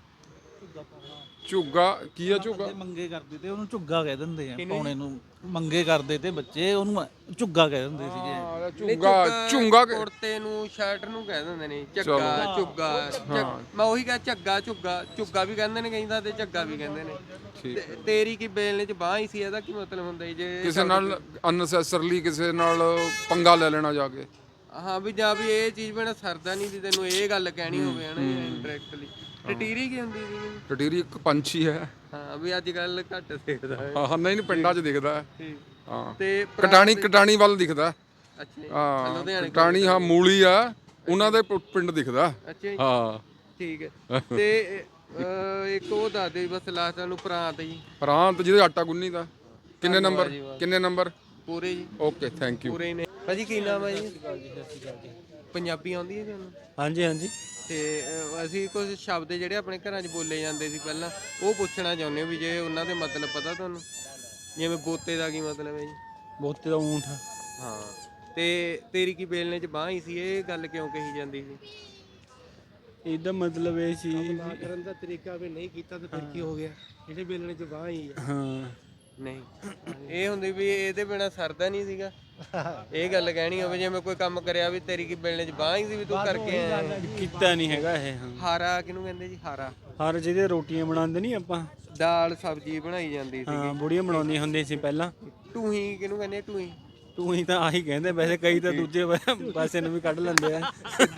ਝੁੱਗਾ ਕੀ ਆ? ਝੁੱਗਾ ਮੰਗੇ ਕਰਦੇ ਤੇ ਉਹਨੂੰ ਝੁੱਗਾ ਕਹਿ ਦਿੰਦੇ ਆ। ਪਾਉਣੇ ਨੂੰ ਮੰਗੇ ਕਰਦੇ ਤੇ ਬੱਚੇ ਉਹਨੂੰ ਝੁੱਗਾ ਕਹਿ ਦਿੰਦੇ ਸੀਗੇ। ਝੁੰਗਾ ਕੁੜਤੇ ਨੂੰ, ਸ਼ਰਟ ਨੂੰ ਕਹਿ ਦਿੰਦੇ ਨੇ ਝੱਗਾ, ਝੁੱਗਾ। ਮੈਂ ਉਹੀ ਕਹਾਂ, ਝੱਗਾ ਝੁੱਗਾ ਵੀ ਕਹਿੰਦੇ ਨੇ ਕਈ ਤਾਂ, ਤੇ ਝੱਗਾ ਵੀ ਕਹਿੰਦੇ ਨੇ। ਤੇਰੀ ਕੀ ਬੇਲਣੇ 'ਚ ਬਾਂਹ ਹੀ ਸੀ, ਇਹਦਾ ਕੀ ਮਤਲਬ ਹੁੰਦਾ ਜੇ ਕਿਸੇ ਨਾਲ ਅਨਸੈਸਰਲੀ ਕਿਸੇ ਨਾਲ ਪੰਗਾ ਲੈ ਲੈਣਾ ਜਾ ਕੇ? ਹਾਂ, ਵੀ ਜਾਂ ਵੀ ਇਹ ਚੀਜ਼ ਬਿਨਾਂ ਸਰਦਾ ਨਹੀਂ ਵੀ ਤੈਨੂੰ ਇਹ ਗੱਲ ਕਹਿਣੀ ਹੋਵੇ ਹਨਾ, ਇਨਡਾਇਰੈਕਟਲੀ। ਟਟੀਰੀ ਕੀ ਹੁੰਦੀ ਸੀ? ਟਟੀਰੀ ਇੱਕ ਪੰਛੀ ਹੈ। ਹਾਂ, ਵੀ ਅੱਜ ਕੱਲ ਘੱਟ ਦਿਖਦਾ ਹੈ। ਹਾਂ, ਨਹੀਂ ਪਿੰਡਾਂ 'ਚ ਦਿਖਦਾ ਹੈ। ਹਾਂ। ਤੇ ਕਟਾਣੀ ਵੱਲ ਦਿਖਦਾ। ਅੱਛਾ ਜੀ। ਹਾਂ, ਕਟਾਣੀ। ਹਾਂ, ਮੂਲੀ ਆ ਉਹਨਾਂ ਦੇ ਪਿੰਡ ਦਿਖਦਾ। ਅੱਛਾ ਜੀ। ਹਾਂ, ਠੀਕ ਹੈ। ਤੇ ਇੱਕ ਉਹ ਦੱਸ ਦੇ ਬਸ ਲਾਸਟ ਨੂੰ, ਪ੍ਰਾਂਤ ਜੀ? ਪ੍ਰਾਂਤ ਜਿਹਦੇ ਆਟਾ ਗੁੰਨੀ ਦਾ। ਕਿੰਨੇ ਨੰਬਰ? ਪੂਰੇ ਜੀ। Okay, thank you. ਪੂਰੇ ਨੇ। ਭਾਜੀ ਕੀ ਨਾਮ ਹੈ ਜੀ? ਪੰਜਾਬੀ ਆਉਂਦੀ ਹੈ ਤੁਹਾਨੂੰ? ਹਾਂਜੀ ਹਾਂਜੀ। ਤੇ ਅਸੀਂ ਕੁਝ ਸ਼ਬਦ ਜਿਹੜੇ ਆਪਣੇ ਘਰਾਂ 'ਚ ਬੋਲੇ ਜਾਂਦੇ ਸੀ ਪਹਿਲਾਂ, ਉਹ ਪੁੱਛਣਾ ਚਾਹੁੰਦੇ ਹਾਂ ਵੀ ਜੇ ਉਹਨਾਂ ਦੇ ਮਤਲਬ ਪਤਾ ਤੁਹਾਨੂੰ? ਜਿਵੇਂ ਬੋਤੇ ਦਾ ਕੀ ਮਤਲਬ ਹੈ ਜੀ? ਬੋਤੇ ਦਾ ਊਂਠ। ਹਾਂ। ਤੇ ਤੇਰੀ ਕੀ ਬੇਲਣੇ 'ਚ ਬਾਂਹ ਹੀ ਸੀ, ਇਹ ਗੱਲ ਕਿਉਂ ਕਹੀ ਜਾਂਦੀ ਸੀ? ਇਹਦਾ ਮਤਲਬ ਇਹ ਸੀ ਕਰਨ ਦਾ ਤਰੀਕਾ ਵੀ ਨਹੀਂ ਕੀਤਾ ਤਾਂ ਫਿਰ ਕੀ ਹੋ ਗਿਆ? ਜਿਹੜੇ ਬੇਲਣੇ 'ਚ ਬਾਂਹ ਹੀ ਆ। ਹਾਂ। ਨਹੀਂ, ਇਹ ਹੁੰਦੀ ਵੀ ਇਹਦੇ ਬਿਨਾ ਸਰਦਾ ਨਹੀਂ ਸੀਗਾ, ਇਹ ਗੱਲ ਕਹਿਣੀ ਹੋਵੇ। ਜਿਵੇਂ ਕੋਈ ਕੰਮ ਕਰਿਆ ਵੀ ਤੇਰੀ ਕੀ ਬੇਲਣੇ 'ਚ ਬਾਂਹ ਹੀ ਸੀ ਵੀ ਤੂੰ ਕਰਕੇ ਆਇਆ। ਕੀਤਾ ਨਹੀਂ ਹੈਗਾ ਇਹ। ਹਾਰਾ ਕਿਹਨੂੰ ਕਹਿੰਦੇ ਜੀ? ਹਾਰਾ ਜਿਹਦੇ ਰੋਟੀਆਂ ਬਣਾਉਂਦੇ ਨਹੀਂ ਆਪਾਂ, ਦਾਲ ਸਬਜ਼ੀ ਬਣਾਈ ਜਾਂਦੀ ਸੀ। ਹਾਂ, ਬੁੜੀਆਂ ਬਣਾਉਂਦੀਆਂ ਹੁੰਦੀਆਂ ਸੀ ਪਹਿਲਾਂ। ਟੂਹੀ ਕਿਹਨੂੰ ਕਹਿੰਦੇ? ਟੂਹੀ ਤਾਂ ਆਹੀ ਕਹਿੰਦੇ, ਵੈਸੇ ਕਈ ਤਾਂ ਦੂਜੇ ਪਾਸੇ ਨੂੰ ਵੀ ਕੱਢ ਲੈਂਦੇ ਆ।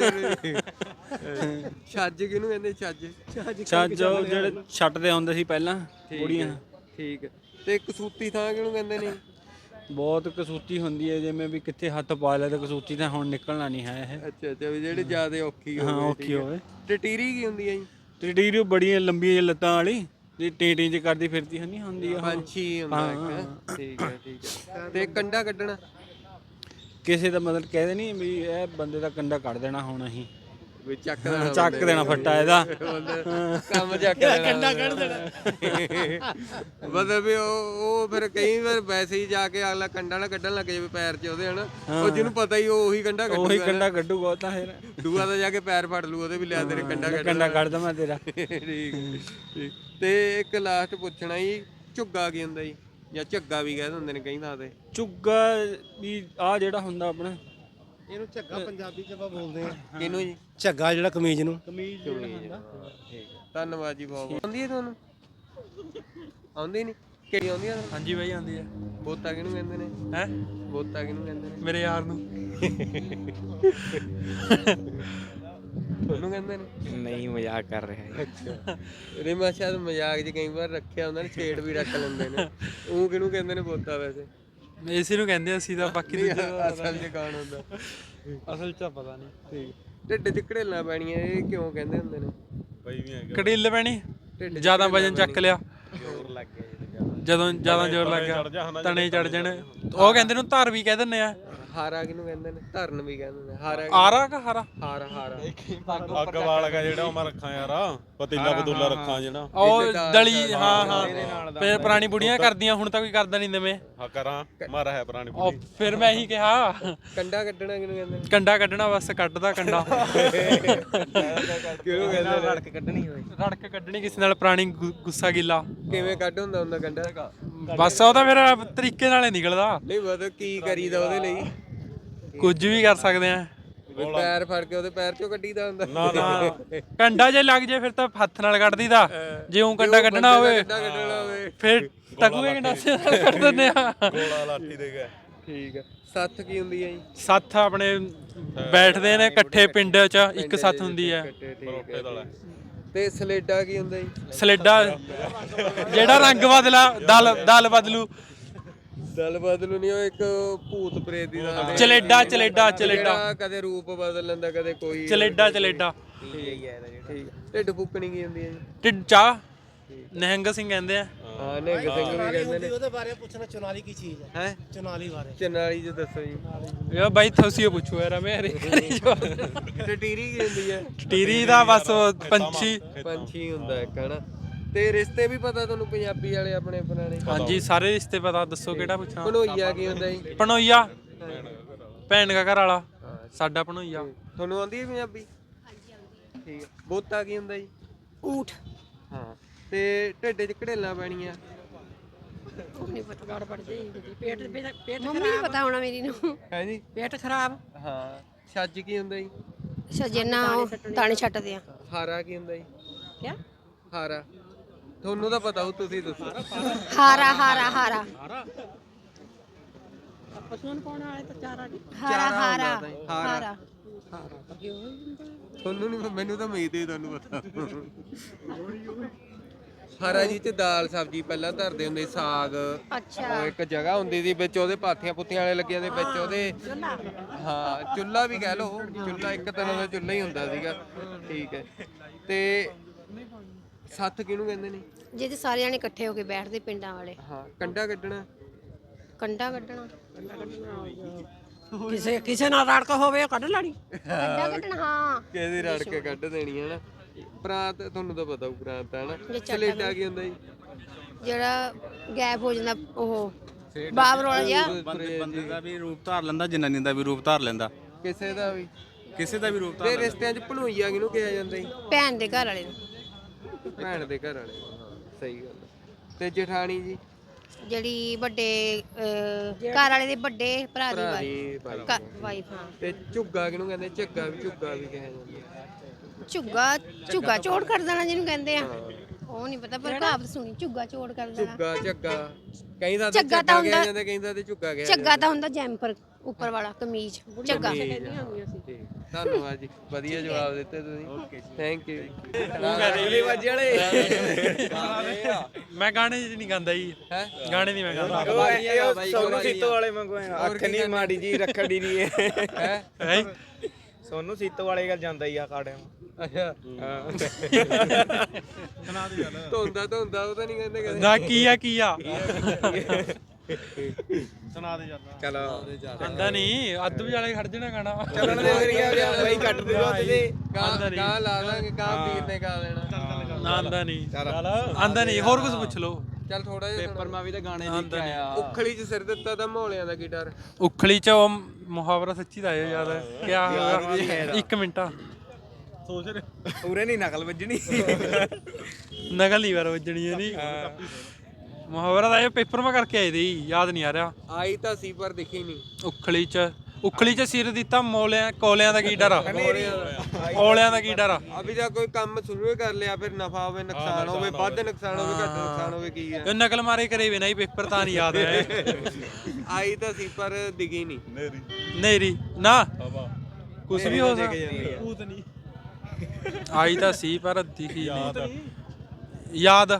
ਛੱਜ ਕਿਹਨੂੰ ਕਹਿੰਦੇ? ਛੱਜ ਜਿਹੜੇ ਛੱਟਦੇ ਹੁੰਦੇ ਸੀ ਪਹਿਲਾਂ ਬੁੜੀਆਂ। ਠੀਕ। ਤੇ ਕਸੂਤੀ ਥਾਂ ਕਿਹਨੂੰ ਕਹਿੰਦੇ ਨੇ? ਬਹੁਤ ਕਸੂਤੀ ਹੁੰਦੀ ਹੈ, ਜਿਵੇਂ ਵੀ ਕਿੱਥੇ ਹੱਥ ਪਾ ਲਿਆ ਤਾਂ ਕਸੂਤੀ ਤਾਂ ਹੁਣ ਨਿਕਲਣਾ ਨਹੀਂ ਹੈ ਇਹ। ਅੱਛਾ ਵੀ ਜਿਹੜੇ ਜ਼ਿਆਦਾ ਔਖੀ ਹੋਵੇ। ਹਾਂ ਔਖੀ ਹੋਵੇ। ਟਟੀਰੀ ਕੀ ਹੁੰਦੀ ਹੈ ਜੀ? ਟਟੀਰੀ ਬੜੀਆਂ ਲੰਬੀਆਂ ਲੱਤਾਂ ਵਾਲੀ ਜੇ ਟੇਂ ਚ ਕਰਦੀ ਫਿਰਦੀ ਨਹੀਂ ਹੁੰਦੀ ਆ। ਪੰਛੀ ਹੁੰਦਾ ਇੱਕ। ਠੀਕ ਹੈ ਤੇ ਕੰਡਾ ਕੱਢਣਾ ਕਿਸੇ ਦਾ ਮਤਲਬ ਕਹਿੰਦੇ ਨਹੀਂ ਵੀ ਇਹ ਬੰਦੇ ਦਾ ਕੰਡਾ ਕੱਢ ਦੇਣਾ ਹੁਣ ਅਸੀਂ ਵੀ ਚੱਕ ਦੇਣਾ ਫੱਟਾ ਇਹਦਾ ਕੰਮ ਚੱਕ ਦੇਣਾ ਕੰਡਾ ਕੱਢ ਦੇਣਾ। ਮਤਲਬ ਵੀ ਉਹ ਫਿਰ ਕਈ ਵਾਰ ਵੈਸੇ ਹੀ ਜਾ ਕੇ ਅਗਲਾ ਕੰਡਾ ਨਾ ਕੱਢਣ ਲੱਗ ਜਾਵੇ ਪੈਰ 'ਚ ਉਹਦੇ ਹਨਾ, ਉਹ ਜਿਹਨੂੰ ਪਤਾ ਹੀ ਉਹੀ ਕੰਡਾ ਕੱਢੂਗਾ ਤਾਂ ਫਿਰ ਦੂਆ ਤਾਂ ਜਾ ਕੇ ਪੈਰ ਫੜ ਲੂ ਉਹਦੇ ਵੀ ਲਿਆ ਤੇਰੇ ਕੰਡਾ ਕੱਢ ਦਵਾਂ ਤੇਰਾ। ਠੀਕ ਤੇ ਇੱਕ ਲਾਸਟ ਪੁੱਛਣਾ ਜੀ, ਝੁੱਗਾ ਕੀ ਹੁੰਦਾ ਜੀ ਜਾਂ ਝੱਗਾ ਵੀ ਕਹਿ ਦਿੰਦੇ ਨੇ ਕਈ ਥਾਂ ਤੇ? ਝੁੱਗਾ ਵੀ ਆ ਜਿਹੜਾ ਹੁੰਦਾ ਆਪਣਾ, ਇਹਨੂੰ ਝੱਗਾ ਪੰਜਾਬੀ ਚ ਆਪਾਂ ਬੋਲਦੇ ਆ। ਕਿਹਨੂੰ ਜੀ? ਝੱਗਾ ਜਿਹੜਾ ਕਮੀਜ਼ ਨੂੰ। ਧੰਨਵਾਦ ਜੀ ਬਹੁਤ ਬਹੁਤ। ਆਉਂਦੀ ਹੈ ਤੁਹਾਨੂੰ? ਆਉਂਦੀ ਨਹੀਂ? ਕਿਹੜੀ ਆਉਂਦੀ ਹੈ? ਹਾਂਜੀ ਬਾਈ ਆਉਂਦੀ ਹੈ। ਬੋਤਾ ਕਿਹਨੂੰ ਕਹਿੰਦੇ ਨੇ? ਹੈ ਬੋਤਾ ਕਿਹਨੂੰ ਕਹਿੰਦੇ ਨੇ? ਮੇਰੇ ਯਾਰ ਨੂੰ। ਤੁਹਾਨੂੰ ਕਹਿੰਦੇ ਨੇ? ਨਹੀਂ ਮਜ਼ਾਕ ਕਰ ਰਿਹਾ। ਅੱਛਾ ਨਹੀਂ, ਮੈਂ ਸ਼ਾਇਦ ਮਜ਼ਾਕ 'ਚ ਕਈ ਵਾਰ ਰੱਖਿਆ ਹੁੰਦਾ ਨੇ, ਛੇੜ ਵੀ ਰੱਖ ਲੈਂਦੇ ਨੇ। ਉਹ ਕਿਹਨੂੰ ਕਹਿੰਦੇ ਨੇ ਬੋਤਾ ਵੈਸੇ? ਇਸੇ ਨੂੰ ਕਹਿੰਦੇ ਅਸੀਂ ਤਾਂ, ਬਾਕੀ ਅਸਲ 'ਚ ਕੌਣ ਹੁੰਦਾ? ਅਸਲ 'ਚ ਪਤਾ ਨਹੀਂ। ਠੀਕ। ਢਿੱਡ 'ਚ ਘੜੇਲਾਂ ਪੈਣੀਆਂ ਇਹ ਕਿਉਂ ਕਹਿੰਦੇ ਹੁੰਦੇ ਨੇ? ਕੜੀਲ ਪੈਣੀ, ਢਿੱਡ 'ਚ ਜਿਆਦਾ ਵਜਨ ਘੜੇਲਾਂ ਚੱਕ ਲਿਆ, ਜਦੋਂ ਜਿਆਦਾ ਜ਼ੋਰ ਲੱਗ ਗਿਆ ਤਣੇ ਚੜ ਜਾਣੇ, ਉਹ ਕਹਿੰਦੇ ਨੂੰ ਧਾਰ ਵੀ ਕਹਿ ਦਿੰਦੇ ਆ। ਹਾਰਾ ਕਿਹਨੂੰ ਕਹਿੰਦੇ ਨੇ? ਧਰਨ ਵੀ ਕਹਿੰਦੇ ਨੇ। ਹਾਰਾ ਆਰਾ ਕਾ ਹਾਰਾ? ਹਾਰਾ ਅੱਗ ਵਾਲਾ ਜਿਹੜਾ ਉਹ ਮੈਂ ਰੱਖਾਂ ਯਾਰ, ਪਤੀਲਾ ਪਤੂਲਾ ਰੱਖਾਂ ਜਿਹੜਾ ਉਹ ਦਲੀ। ਹਾਂ ਫਿਰ ਪੁਰਾਣੀ ਬੁੜੀਆਂ ਕਰਦੀਆਂ, ਹੁਣ ਤਾਂ ਕੋਈ ਕਰਦਾ ਨਹੀਂ ਨਵੇਂ। ਹਾਂ ਕਰਾਂ ਮਾਰਾ ਹੈ ਪੁਰਾਣੀ ਉਹ ਫਿਰ ਮੈਂ ਇਹੀ ਕਿਹਾ, ਕੰਡਾ ਕੱਢਣਾ ਕਿਹਨੂੰ ਕਹਿੰਦੇ ਨੇ? ਕੰਡਾ ਕੱਢਣਾ, ਬਸ ਕੱਢਦਾ ਕੰਡਾ। ਕਿਹਨੂੰ ਕਹਿੰਦੇ ਨੇ? ਰੜਕ ਕੱਢਣੀ ਹੋਵੇ, ਰੜਕ ਕੱਢਣੀ ਕਿਸੇ ਨਾਲ, ਪੁਰਾਣੀ ਗੁੱਸਾ ਗਿੱਲਾ। ਕਿਵੇਂ ਕੱਢ ਹੁੰਦਾ ਕੰਡਾ? ਬਸ ਉਹ ਤਾਂ ਫਿਰ ਤਰੀਕੇ ਨਾਲ ਹੀ ਨਿਕਲਦਾ। ਨਹੀਂ ਮਤਲਬ ਕੀ ਕਰੀਦਾ ਉਹਦੇ ਲਈ? ਕੁਝ ਵੀ ਕਰ ਸਕਦੇ ਆ। ਪੈਰ ਫੜ ਕੇ ਉਹਦੇ ਪੈਰ 'ਚੋਂ ਕੱਢੀਦਾ ਹੁੰਦਾ? ਨਾ ਕੰਡਾ ਜੇ ਲੱਗ ਜੇ ਫਿਰ ਤਾਂ ਹੱਥ ਨਾਲ ਕੱਢ ਦੀਦਾ, ਜੇ ਉਹ ਕੰਡਾ ਕੱਢਣਾ ਹੋਵੇ ਫਿਰ ਟਕੂਏ ਗੰਡਾਸੇ ਨਾਲ ਕੱਢ ਦਿੰਦੇ ਆ। ਗੋਲਾ ਲਾਠੀ ਦੇ ਗਿਆ। ਠੀਕ ਹੈ। ਸੱਥ ਕੀ ਹੁੰਦੀ ਹੈ ਜੀ? ਸੱਥ ਆਪਣੇ ਬੈਠਦੇ ਨੇ ਇਕੱਠੇ ਪਿੰਡ 'ਚ, ਇੱਕ ਸੱਥ ਹੁੰਦੀ ਹੈ। ਤੇ ਸਲੇਡਾ ਕੀ ਹੁੰਦਾ ਜੀ? ਸਲੇਡਾ ਜਿਹੜਾ ਰੰਗ ਬਦਲਾ, ਦਲ ਬਦਲੂ। ਦਲ ਬਦਲੂ ਨਹੀਂ, ਉਹ ਇੱਕ ਭੂਤ ਪ੍ਰੇਤ ਦੀ ਦਾ ਚਲੇਡਾ ਕਦੇ ਰੂਪ ਬਦਲ ਲੈਂਦਾ, ਕਦੇ ਕੋਈ ਚਲੇਡਾ। ਠੀਕ। ਢਿੱਡ ਫੁੱਕਣੀ ਕੀ ਹੁੰਦੀ ਹੈ ਜੀ? ਢਿੱਡ ਚਾਹ ਨਿਹੰਗ ਸਿੰਘ ਕਹਿੰਦੇ ਆ। ਹਾਂ ਨਿਹੰਗ ਸਿੰਘ ਵੀ ਕਹਿੰਦੇ ਨੇ। ਉਹਦੇ ਬਾਰੇ ਪੁੱਛਣਾ, ਚੁਨਾਲੀ ਕੀ ਚੀਜ਼ ਹੈ? ਹੈ ਚੁਨਾਲੀ ਬਾਰੇ। ਚਨਾਲੀ ਜੀ ਦੱਸੋ ਜੀ। ਯਾ ਬਾਈ ਤੁਸੀਂ ਪੁੱਛੋ ਯਾਰ, ਮੇਰੇ ਟਟੀਰੀ ਕੀ ਹੁੰਦੀ ਹੈ? ਟੀਰੀ ਦਾ ਬਸ ਪੰਛੀ ਹੁੰਦਾ ਇੱਕ ਹਨਾ। ਤੇ ਰਿਸ਼ਤੇ ਵੀ ਪਤਾ ਤੁਹਾਨੂੰ ਪੰਜਾਬੀ ਵਾਲੇ ਆਪਣੇ ਪੁਰਾਣੇ? ਹਾਂਜੀ ਸਾਰੇ ਰਿਸ਼ਤੇ ਪਤਾ। ਦੱਸੋ ਕਿਹੜਾ ਪੁੱਛਾਂ? ਭਣੋਈਆ ਕੀ ਹੁੰਦਾ ਜੀ? ਭਣੋਈਆ ਭੈਣ ਦਾ ਘਰ ਵਾਲਾ, ਸਾਡਾ ਭਣੋਈਆ। ਤੁਹਾਨੂੰ ਆਉਂਦੀ ਹੈ ਪੰਜਾਬੀ? ਠੀਕ ਹੈ। ਬੋਤਾ ਕੀ ਹੁੰਦਾ ਜੀ? ਊਠ। ਹਾਂ। ਤੇ ਢਿੱਡ 'ਚ ਘੜੇਲਾਂ ਪੈਣੀਆਂ? ਨਹੀਂ ਪਤਾ, ਗੜ ਪੜ ਜਾਈ ਪੇਟ ਮੰਮੀ ਨਹੀਂ ਪਤਾ ਹੋਣਾ ਮੇਰੀ ਨੂੰ। ਹੈ ਜੀ? ਪੇਟ ਖਰਾਬ। ਹਾਂ। ਛੱਜ ਕੀ ਹੁੰਦਾ ਜੀ? ਸਜਣਾ ਦਾਣੇ ਛੱਟਦੇ ਆ। ਹਾਰਾ ਕੀ ਹੁੰਦਾ ਜੀ? ਕਿਆ? ਹਾਰਾ ਤੁਹਾਨੂੰ ਤਾਂ ਪਤਾ ਹੋ, ਤੁਸੀਂ ਦੱਸੋ। ਹਾਰਾ ਪਸ਼ੂਆਂ ਨੂੰ ਪਾਉਣ ਵਾਲੇ ਤਾਂ ਚਾਰਾ ਨਹੀਂ। ਹਾਰਾ ਤੁਹਾਨੂੰ ਨਹੀਂ, ਮੈਨੂੰ ਤਾਂ ਉਮੀਦ ਹੀ ਤੁਹਾਨੂੰ ਪਤਾ। ਹਾਰਾ ਜੀ ਚ ਦਾਲ ਸਬਜ਼ੀ ਪਹਿਲਾਂ ਧਰਦੇ ਹੁੰਦੇ, ਸਾਗ। ਅੱਛਾ। ਉਹ ਇੱਕ ਜਗ੍ਹਾ ਹੁੰਦੀ ਸੀ ਵਿੱਚ, ਉਹਦੇ ਪਾਥੀਆਂ ਪੁੱਥੀਆਂ ਵਾਲੇ ਲੱਗੇ ਹੁੰਦੇ ਵਿੱਚ ਉਹਦੇ। ਹਾਂ ਚੁੱਲ੍ਹਾ ਵੀ ਕਹਿ ਲਓ, ਚੁੱਲ੍ਹਾ ਇੱਕ ਤਰ੍ਹਾਂ ਦਾ ਚੁੱਲ੍ਹਾ ਹੀ ਹੁੰਦਾ ਸੀਗਾ। ਠੀਕ ਹੈ। ਤੇ ਸੱਥ ਕਿਹਨੂੰ ਕਹਿੰਦੇ ਨੇ? ਜਿਹਦੇ ਸਾਰੇ ਜਾਣੇ ਇਕੱਠੇ ਹੋ ਕੇ ਬੈਠਦੇ ਪਿੰਡਾਂ ਵਾਲੇ। ਹਾਂ। ਕੰਡਾ ਕੱਢਣਾ? ਕੰਡਾ ਕੱਢਣਾ ਕਿਸੇ ਨਾਲ ਰੜਕ ਹੋਵੇ ਉਹ ਕੱਢ ਲੈਣੀ। ਕੰਡਾ ਕੱਢਣਾ ਹਾਂ, ਕਿਸੇ ਰੜ ਕੇ ਕੱਢ ਦੇਣੀ ਹੈ ਨਾ। ਪ੍ਰਾਂਤ ਤੁਹਾਨੂੰ ਤਾਂ ਪਤਾ ਹੋਊ, ਪ੍ਰਾਂਤ ਹੈ ਨਾ। ਸਲੇਡਾ ਕੀ ਹੁੰਦਾ ਜੀ? ਜਿਹੜਾ ਗੈਪ ਹੋ ਜਾਂਦਾ, ਉਹ ਬਾਬਰ ਵਾਲਾ ਜਿਹਾ। ਬੰਦੇ ਦਾ ਵੀ ਰੂਪ ਧਾਰ ਲੈਂਦਾ, ਜਨਾਨੀ ਦਾ ਵੀ ਰੂਪ ਧਾਰ ਲੈਂਦਾ, ਕਿਸੇ ਦਾ ਵੀ ਰੂਪ ਧਾਰ ਤੇ ਰਿਸ਼ਤਿਆਂ 'ਚ ਭਣੋਈਆ ਕਿਹਨੂੰ ਕਿਹਾ ਜਾਂਦਾ ਜੀ? ਭੈਣ ਦੇ ਘਰ ਵਾਲੇ ਨੂੰ। ਭੈਣ ਦੇ ਘਰ ਵਾਲੇ। ਸਹੀ ਗੱਲ। ਤੇ ਜਠਾਣੀ ਜੀ? ਜਿਹੜੀ ਵੱਡੇ ਘਰ ਵਾਲੇ ਦੇ ਵੱਡੇ ਭਰਾ ਦੀ ਵਾਈਫ। ਹਾਂ। ਤੇ ਝੁੱਗਾ ਕਿਹਨੂੰ ਕਹਿੰਦੇ? ਝੁੱਗਾ ਵੀ ਕਿਹਾ ਜਾਂਦਾ। ਝੁੱਗਾ ਚੋੜ ਕਰ ਦੇਣਾ ਜਿਹਨੂੰ ਕਹਿੰਦੇ ਆ, ਉਹ ਨਹੀਂ ਪਤਾ, ਪਰ ਕਹਾਵਤ ਸੁਣੀ, ਝੁੱਗਾ ਚੋੜ ਕਰ ਦੇਣਾ। ਝੱਗਾ ਕਈ ਦਾ ਝੱਗਾ ਕਿਹਾ ਜਾਂਦਾ, ਕਈ ਦਾ ਤੇ ਝੁੱਗਾ ਕਿਹਾ ਜਾਂਦਾ। ਝੱਗਾ ਤਾਂ ਹੁੰਦਾ ਜੈਂਪਰ, ਉੱਪਰ ਵਾਲਾ ਕਮੀਜ਼ ਝੱਗਾ। ਧੰਨਵਾਦ ਜੀ, ਵਧੀਆ ਜਵਾਬ ਦਿੱਤੇ ਤੁਸੀਂ। Thank you. ਮੈਂ ਗਾਣੇ ਜੀ ਨਹੀਂ ਗਾਉਂਦਾ ਜੀ। ਗਾਣੇ ਨਹੀਂ ਮੈਂ ਗਾਉਂਦਾ। ਸੋਨੂੰ ਸੀਤੋ ਵਾਲੇ ਵਾਂਗੂ ਅੱਖ ਨਹੀਂ ਮਾੜੀ ਜੀ ਰੱਖੜੀ ਨਹੀਂ ਹੈ ਸੋਨੂੰ ਸੀਤੋ ਵਾਲੇ ਗੱਲ ਜਾਂਦਾ ਹੀ ਆ ਕਾੜੇ ਅੱਛਾ ਧੋਂਦਾ ਉਹ ਤਾਂ ਨਹੀਂ ਕਹਿੰਦੇ ਕਦੇ। ਨਾ ਕੀ ਆ ਸੁਣਾ ਦੇ ਜਾਂਦਾ ਚਲੋ ਆਂਦਾ ਨਹੀਂ ਅੱਧ ਵਿਚਾਲੇ ਖੜ ਜਾਣਾ ਗਾਣਾ। ਚੱਲਣ ਦੇ ਬਾਈ ਕੱਟ ਦੇ ਉਹਦੇ ਗਾਂ ਲਾ ਦਾਂਗੇ, ਗਾਂ ਵੀਰ ਨੇ ਗਾ ਦੇਣਾ। ਨਾ ਆਂਦਾ ਨਹੀਂ ਹੋਰ ਕੁਝ ਪੁੱਛ ਲਓ। ਚੱਲ ਥੋੜਾ ਜਿਹਾ ਪੇਪਰ ਮੈਂ ਵੀ ਤਾਂ ਗਾਣੇ ਦੇਖ ਕੇ ਆਇਆ। ਉਖਲੀ 'ਚ ਸਿਰ ਦਿੱਤਾ ਤਾਂ ਮਹੌਲਿਆਂ ਦਾ ਕੀ ਡਰ। ਉਖਲੀ ਚ ਉਹ ਮੁਹਾਵਰਾ ਸੱਚੀ ਦਾ ਹੈ ਯਾਦ ਕਿਆ ਹੋਗਾ 1 ਮਿੰਟ ਸੋਚ ਪੂਰੇ ਨਹੀਂ ਨਕਲ ਵੱਜਣੀ ਨਕਲ ਨਹੀਂ ਵਾਰ ਵੱਜਣੀ ਹੈ ਨਹੀਂ ਮੁਹਾਵਰਾ ਦਾ ਇਹ ਪੇਪਰ ਮੈਂ ਕਰਕੇ ਆਏ ਦੀ ਯਾਦ ਨਹੀਂ ਆ ਰਿਹਾ। ਆਈ ਤਾਂ ਸੀ ਪਰ ਦਿਖੀ ਨਹੀਂ। ਉਖਲੀ ਚ ਸਿਰ ਦਿੱਤਾ ਕੋਲਿਆਂ ਦਾ ਕੀ ਡਰ ਆ ਔਲਿਆਂ ਦਾ ਕੀ ਡਰ ਆ। ਅਭੀ ਤਾਂ ਕੋਈ ਕੰਮ ਸ਼ੁਰੂ ਕਰ ਲਿਆ, ਫਿਰ ਨਫਾ ਹੋਵੇ ਨੁਕਸਾਨ ਹੋਵੇ, ਵੱਧ ਨੁਕਸਾਨ ਹੋਵੇ ਘੱਟ ਨੁਕਸਾਨ ਹੋਵੇ, ਕੀ ਹੈ। ਇਹ ਨਕਲ ਮਾਰੇ ਕਰੇ ਵੀ ਨਹੀਂ ਪੇਪਰ ਤਾਂ ਨਹੀਂ ਯਾਦ ਹੈ। ਆਈ ਤਾਂ ਸੀ ਪਰ ਦਿਖੀ ਨਹੀਂ। ਨੇਰੀ ਨਾ ਕੁਝ ਵੀ ਹੋ ਸਕਦਾ। ਆਈ ਤਾਂ ਸੀ ਪਰ ਦਿਖੀ ਨਹੀਂ। ਯਾਦ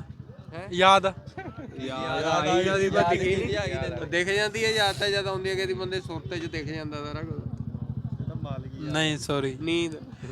ਦਿਖ ਜਾਂਦੀ ਹੈ ਯਾਦ ਤਾਂ ਜਦ ਆਉਂਦੀ ਹੈ ਕਿ ਬੰਦੇ ਸੁਰਤੇ 'ਚ ਦਿਖ ਜਾਂਦਾ ਸਾਰਾ ਕੁਝ। ਨਹੀਂ ਸੌਰੀ ਨੀਂਦ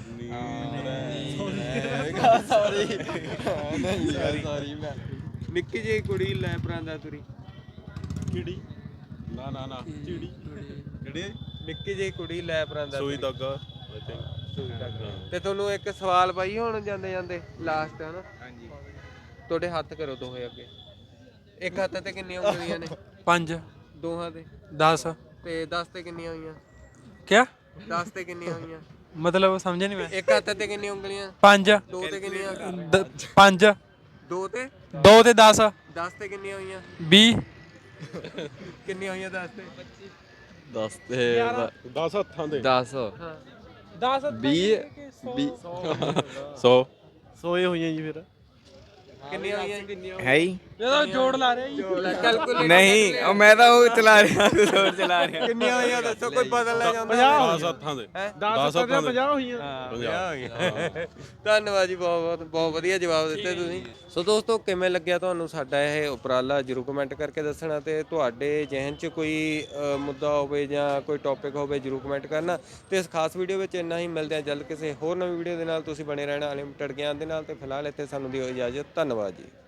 ਨਿੱਕੀ ਜਿਹੀ ਕੁੜੀ ਲੈ ਪਰਾਂਦਾ ਤੁਰੀ। ਕਿਹੜੀ ਨਾ ਚਿੜੀ ਕਿਹੜੀ ਨਿੱਕੀ ਜਿਹੀ ਕੁੜੀ ਲੈ ਪਰਾਂਦਾ ਸੂਈ ਧਾਗਾ। ਤੇ ਤੁਹਾਨੂੰ ਇੱਕ ਸਵਾਲ ਪਾਈ ਹੁਣ ਜਾਂਦੇ ਲਾਸਟ ਹੈ ਨਾ। ਹਾਂਜੀ ਤੁਹਾਡੇ ਹੱਥ ਕਰੋ ਦੋਹੇ ਅੱਗੇ। ਇੱਕ ਹੱਥ ਤੇ ਕਿੰਨੀਆਂ ਉਂਗਲੀਆਂ ਨੇ? 5 ਦੋਹਾਂ ਤੇ 10 ਤੇ 10 ਤੇ ਕਿੰਨੀਆਂ ਹੋਈਆਂ? ਕਿਆ 10 ਤੇ ਕਿੰਨੀਆਂ ਹੋਈਆਂ? ਮਤਲਬ ਸਮਝਿਆ ਨਹੀਂ ਮੈਂ। ਇੱਕ ਹੱਥ ਤੇ ਕਿੰਨੀਆਂ ਉਂਗਲੀਆਂ? 5 ਦੋ ਤੇ ਕਿੰਨੀਆਂ? 5 ਦੋ ਤੇ 2 ਤੇ 10 10 ਤੇ ਕਿੰਨੀਆਂ ਹੋਈਆਂ? 20 ਕਿੰਨੀਆਂ ਹੋਈਆਂ 10 ਤੇ? 10 ਤੇ 10 ਹੱਥਾਂ ਦੇ 10 10 20 100 ਸੋਏ ਹੋਈਆਂ ਜੀ ਫਿਰ ਕਿੰਨੀਆਂ ਹੋਈਆਂ? ਹੈ ਹੀ ਜਦੋਂ ਜੋੜ ਲਾ ਰਿਹਾ ਜੀ। ਕੈਲਕੂਲੇਟ ਨਹੀਂ ਉਹ ਮੈਂ ਤਾਂ ਉਹ ਚਲਾ ਰਿਹਾ ਹੋਰ ਚਲਾ ਰਿਹਾ। ਕਿੰਨੀਆਂ ਹੋਈਆਂ ਦੱਸੋ, ਕੋਈ ਬਦਲ ਲੈ ਜਾਂਦਾ। 10 ਹੱਥਾਂ ਦੇ 10 ਹੱਥਾਂ ਦੇ 50 ਹੋਈਆਂ। 50 ਧੰਨਵਾਦ ਜੀ, ਬਹੁਤ ਵਧੀਆ ਜਵਾਬ ਦਿੱਤੇ ਤੁਸੀਂ। ਸੋ ਦੋਸਤੋ, ਕਿਵੇਂ ਲੱਗਿਆ ਤੁਹਾਨੂੰ ਸਾਡਾ ਇਹ ਉਪਰਾਲਾ ਜਰੂਰ ਕਮੈਂਟ ਕਰਕੇ ਦੱਸਣਾ, ਤੇ ਤੁਹਾਡੇ ਜ਼ਿਹਨ 'ਚ ਕੋਈ ਮੁੱਦਾ ਹੋਵੇ ਜਾਂ ਕੋਈ ਟੌਪਿਕ ਹੋਵੇ ਜਰੂਰ ਕਮੈਂਟ ਕਰਨਾ। ਤੇ ਇਸ ਖਾਸ ਵੀਡੀਓ ਵਿੱਚ ਇੰਨਾ ਹੀ। ਮਿਲਦੇ ਹਾਂ ਜਲਦ ਕਿਸੇ ਹੋਰ ਨਵੀਂ ਵੀਡੀਓ ਦੇ ਨਾਲ। ਤੁਸੀਂ ਬਣੇ ਰਹਿਣਾ ਅਨਲਿਮਟਿਡ ਗਿਆਨ ਦੇ ਨਾਲ। ਤੇ ਫਿਲਹਾਲ ਇੱਥੇ ਸਾਨੂੰ ਦਿਓ ਇਜਾਜ਼ਤ। ਧੰਨਵਾਦ ਜੀ।